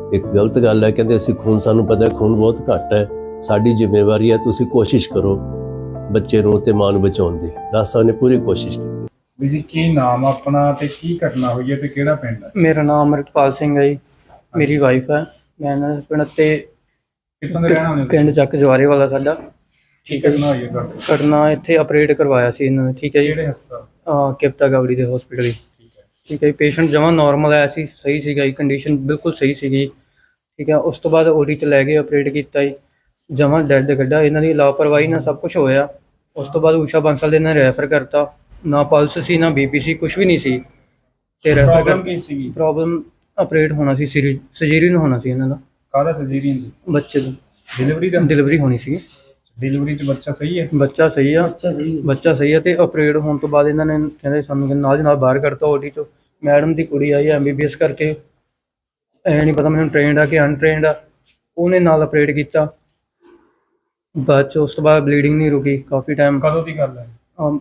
ਇੱਕ ਗਲਤ ਗੱਲ ਹੈ। ਕਹਿੰਦੇ ਅਸੀਂ ਖੂਨ, ਸਾਨੂੰ ਪਤਾ ਹੈ ਖੂਨ ਬਹੁਤ ਘੱਟ ਹੈ, ਸਾਡੀ ਜ਼ਿੰਮੇਵਾਰੀ ਹੈ, ਤੁਸੀਂ ਕੋਸ਼ਿਸ਼ ਕਰੋ ਬੱਚੇ ਨੂੰ ਤੇ ਮਾਂ ਨੂੰ ਬਚਾਉਣ ਦੀ। ਡਾਕਟਰ ਸਾਹਿਬ ਨੇ ਪੂਰੀ ਕੋਸ਼ਿਸ਼ ਕੀਤੀ।
ਵੀ ਜੀ ਕੀ ਨਾਮ ਆਪਣਾ ਤੇ ਕੀ ਘਟਨਾ ਹੋਈ ਹੈ ਤੇ ਕਿਹੜਾ ਪਿੰਡ ਹੈ?
ਮੇਰਾ ਨਾਮ ਅਮਰਿਤਪਾਲ ਸਿੰਘ ਹੈ ਜੀ, ਮੇਰੀ ਵਾਈਫ ਹੈ, ਮੈਂ ਇਹਨਾਂ ਦੇ ਹਸਬੈਂਡ ਤੇ
ਕਿੱਥੋਂ ਦੇ ਰਹਿਣ ਵਾਲੇ ਹੋ?
ਪਿੰਡ ਚੱਕ ਜਵਾਰੇ ਵਾਲਾ ਸਾਡਾ।
ਕੀ ਘਟਨਾ ਹੋਈ ਹੈ ਤੁਹਾਡੇ?
ਘਟਨਾ ਇੱਥੇ ਆਪਰੇਟ ਕਰਵਾਇਆ ਸੀ ਇਹਨਾਂ ਨੇ, ਠੀਕ ਹੈ ਜੀ,
ਕਿਹੜੇ ਹਸਪਤਾਲ?
ਕਿਪਤਾ ਗਵੜੀ ਦੇ ਹਸਪੀਟਲ।
ਠੀਕ ਹੈ।
ਠੀਕ ਹੈ ਜੀ, ਪੇਸ਼ੈਂਟ ਜਮਾਂ ਨਾਰਮਲ ਆਇਆ ਸੀ, ਸਹੀ ਸੀਗਾ ਜੀ, ਕੰਡੀਸ਼ਨ ਬਿਲਕੁਲ ਸਹੀ ਸੀਗੀ। ਠੀਕ ਹੈ, ਉਸ ਤੋਂ ਬਾਅਦ ਓਡੀ 'ਚ ਲੈ ਗਏ, ਆਪਰੇਟ ਕੀਤਾ ਜੀ, ਜਮਾਂ ਡੈਡ ਕੱਢਾ। ਇਹਨਾਂ ਦੀ ਲਾਪਰਵਾਹੀ ਨਾਲ ਸਭ ਕੁਝ ਹੋਇਆ। ਉਸ ਤੋਂ ਬਾਅਦ ਊਸ਼ਾ ਬਾਂਸਲ ਦੇ ਨਾਲ ਰੈਫਰ ਕਰਤਾ, ਨਾ ਪਲਸ ਸੀ ਨਾ ਬੀਪੀ ਸੀ, ਕੁਝ ਵੀ ਨਹੀਂ ਸੀ। ਤੇ ਰੈਫਰ
ਪ੍ਰੋਬਲਮ ਕੀ ਸੀਗੀ?
ਪ੍ਰੋਬਲਮ ਆਪਰੇਟ ਹੋਣਾ ਸੀ, ਸਰਜਰੀਨ ਹੋਣਾ ਸੀ ਇਹਨਾਂ ਦਾ,
ਕਾਹਦਾ ਸਰਜਰੀਨ ਸੀ?
ਬੱਚੇ ਦੀ
ਡਿਲੀਵਰੀ ਦਾ?
ਡਿਲੀਵਰੀ ਹੋਣੀ ਸੀ।
ਡਿਲੀਵਰੀ 'ਚ ਬੱਚਾ ਸਹੀ ਹੈ?
ਬੱਚਾ ਸਹੀ ਆ, ਬੱਚਾ ਸਹੀ ਆ। ਤੇ ਆਪਰੇਟ ਹੋਣ ਤੋਂ ਬਾਅਦ ਇਹਨਾਂ ਨੇ ਕਹਿੰਦੇ ਸਾਨੂੰ ਕਿ ਨਾਲ ਦੀ ਨਾਲ ਬਾਹਰ ਕੱਢਤਾ ਓਟੀ 'ਚੋਂ। ਮੈਡਮ ਦੀ ਕੁੜੀ ਆਈ ਐਮਬੀਬੀਐਸ ਕਰਕੇ, ਐ ਨਹੀਂ ਪਤਾ ਮੈਨੂੰ ਟ੍ਰੇਨਡ ਆ ਕਿ ਅਨਟ੍ਰੇਨਡ ਆ, ਉਹਨੇ ਨਾਲ ਆਪਰੇਟ ਕੀਤਾ। ਬਾਅਦ 'ਚ ਉਸ ਤੋਂ ਬਾਅਦ ਬਲੀਡਿੰਗ ਨਹੀਂ ਰੁਕੀ ਕਾਫੀ ਟਾਈਮ।
ਕਦੋਂ ਦੀ ਗੱਲ ਹੈ?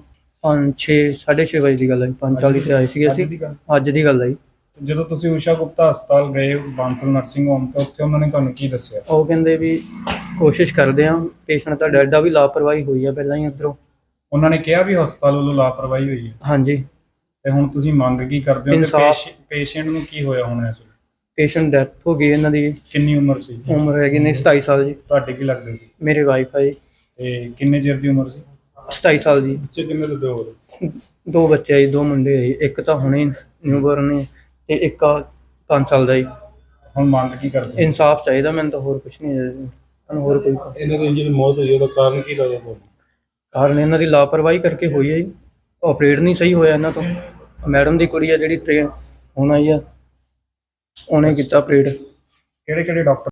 6:30 ਵਜੇ ਦੀ ਗੱਲ ਹੈ, 5:40 ਤੇ ਆਏ ਸੀਗੇ
ਅੱਜ
ਅਸੀਂ।
ਦੀ ਗੱਲ?
ਅੱਜ ਦੀ ਗੱਲ ਹੈ ਜੀ।
ਜਦੋਂ ਤੁਸੀਂ ਊਸ਼ਾ ਗੁਪਤਾ ਹਸਪਤਾਲ ਗਏ ਬਾਂਸਲ ਨਰਸਿੰਗ ਹੋਮ ਤੇ ਉੱਥੇ ਉਹਨਾਂ ਨੇ ਤੁਹਾਨੂੰ ਕੀ ਦੱਸਿਆ?
ਉਹ ਕਹਿੰਦੇ ਵੀ ਕੋਸ਼ਿਸ਼ ਕਰਦੇ ਆ, ਪੇਸ਼ੈਂਟ ਤਾਂ ਡੈਡ ਆ, ਵੀ ਲਾਪਰਵਾਹੀ ਹੋਈ ਆ ਪਹਿਲਾਂ ਹੀ ਉੱਧਰੋਂ।
ਉਹਨਾਂ ਨੇ ਕਿਹਾ ਵੀ ਹਸਪਤਾਲ ਵੱਲੋਂ ਲਾਪਰਵਾਹੀ ਹੋਈ ਹੈ,
ਹਾਂਜੀ,
ਤੇ ਹੁਣ ਤੁਸੀਂ ਮੰਗ ਕੀ ਕਰਦੇ ਹੋ?
ਇਨਸਾਫ਼।
ਤੇ ਪੇਸ਼ੈਂਟ ਨੂੰ ਕੀ ਹੋਇਆ ਹੋਣਾ ਇਸ ਵੇਲੇ?
ਪੇਸ਼ੈਂਟ ਡੈਥ ਹੋ ਗਈ ਇਹਨਾਂ ਦੀ।
ਕਿੰਨੀ ਉਮਰ ਸੀ?
ਉਮਰ ਹੈਗੀ ਨੇ 27 ਸਾਲ ਜੀ।
ਤੁਹਾਡੇ ਕੀ ਲੱਗਦੇ ਸੀ?
ਮੇਰੇ ਵਾਈਫ ਹੈ ਜੀ,
ਤੇ ਕਿੰਨੇ ਚਿਰ ਦੀ ਉਮਰ ਸੀ?
27 ਸਾਲ ਜੀ।
ਬੱਚੇ ਕਿੰਨੇ ਦੇ ਦੋ?
ਦੋ ਬੱਚੇ ਆ ਜੀ, ਦੋ ਮੁੰਡੇ ਆ ਜੀ, ਇੱਕ ਤਾਂ ਹੁਣੇ ਨਿਊਬਰਨ ਨੇ ਤੇ ਇੱਕ 5 ਸਾਲ ਦਾ ਜੀ।
ਹੁਣ ਮੰਗ ਕੀ ਕਰਦੇ?
ਇਨਸਾਫ ਚਾਹੀਦਾ ਮੈਨੂੰ ਤਾਂ, ਹੋਰ ਕੁਝ ਨਹੀਂ ਹੈ ਜੀ। ਤੁਹਾਨੂੰ ਹੋਰ ਕੋਈ
ਇਹਨਾਂ ਦੀ ਜਿਹੜੀ ਮੌਤ ਹੋਈ ਉਹਦਾ ਕਾਰਨ ਕੀ ਲੱਗਦਾ ਤੁਹਾਨੂੰ?
ਕਾਰਨ ਇਹਨਾਂ ਦੀ ਲਾਪਰਵਾਹੀ ਕਰਕੇ ਹੋਈ ਹੈ ਜੀ। ਆਪਰੇਟ ਨਹੀਂ ਸਹੀ ਹੋਇਆ ਇਹਨਾਂ ਤੋਂ। ਮੈਡਮ ਦੀ ਕੁੜੀ ਆ ਜਿਹੜੀ ਟ੍ਰੇਨ ਹੁਣ ਆਈ ਆ, ਉਹਨੇ ਕੀਤਾ ਆਪਰੇਟ।
ਕਿਹੜੇ ਕਿਹੜੇ ਡਾਕਟਰ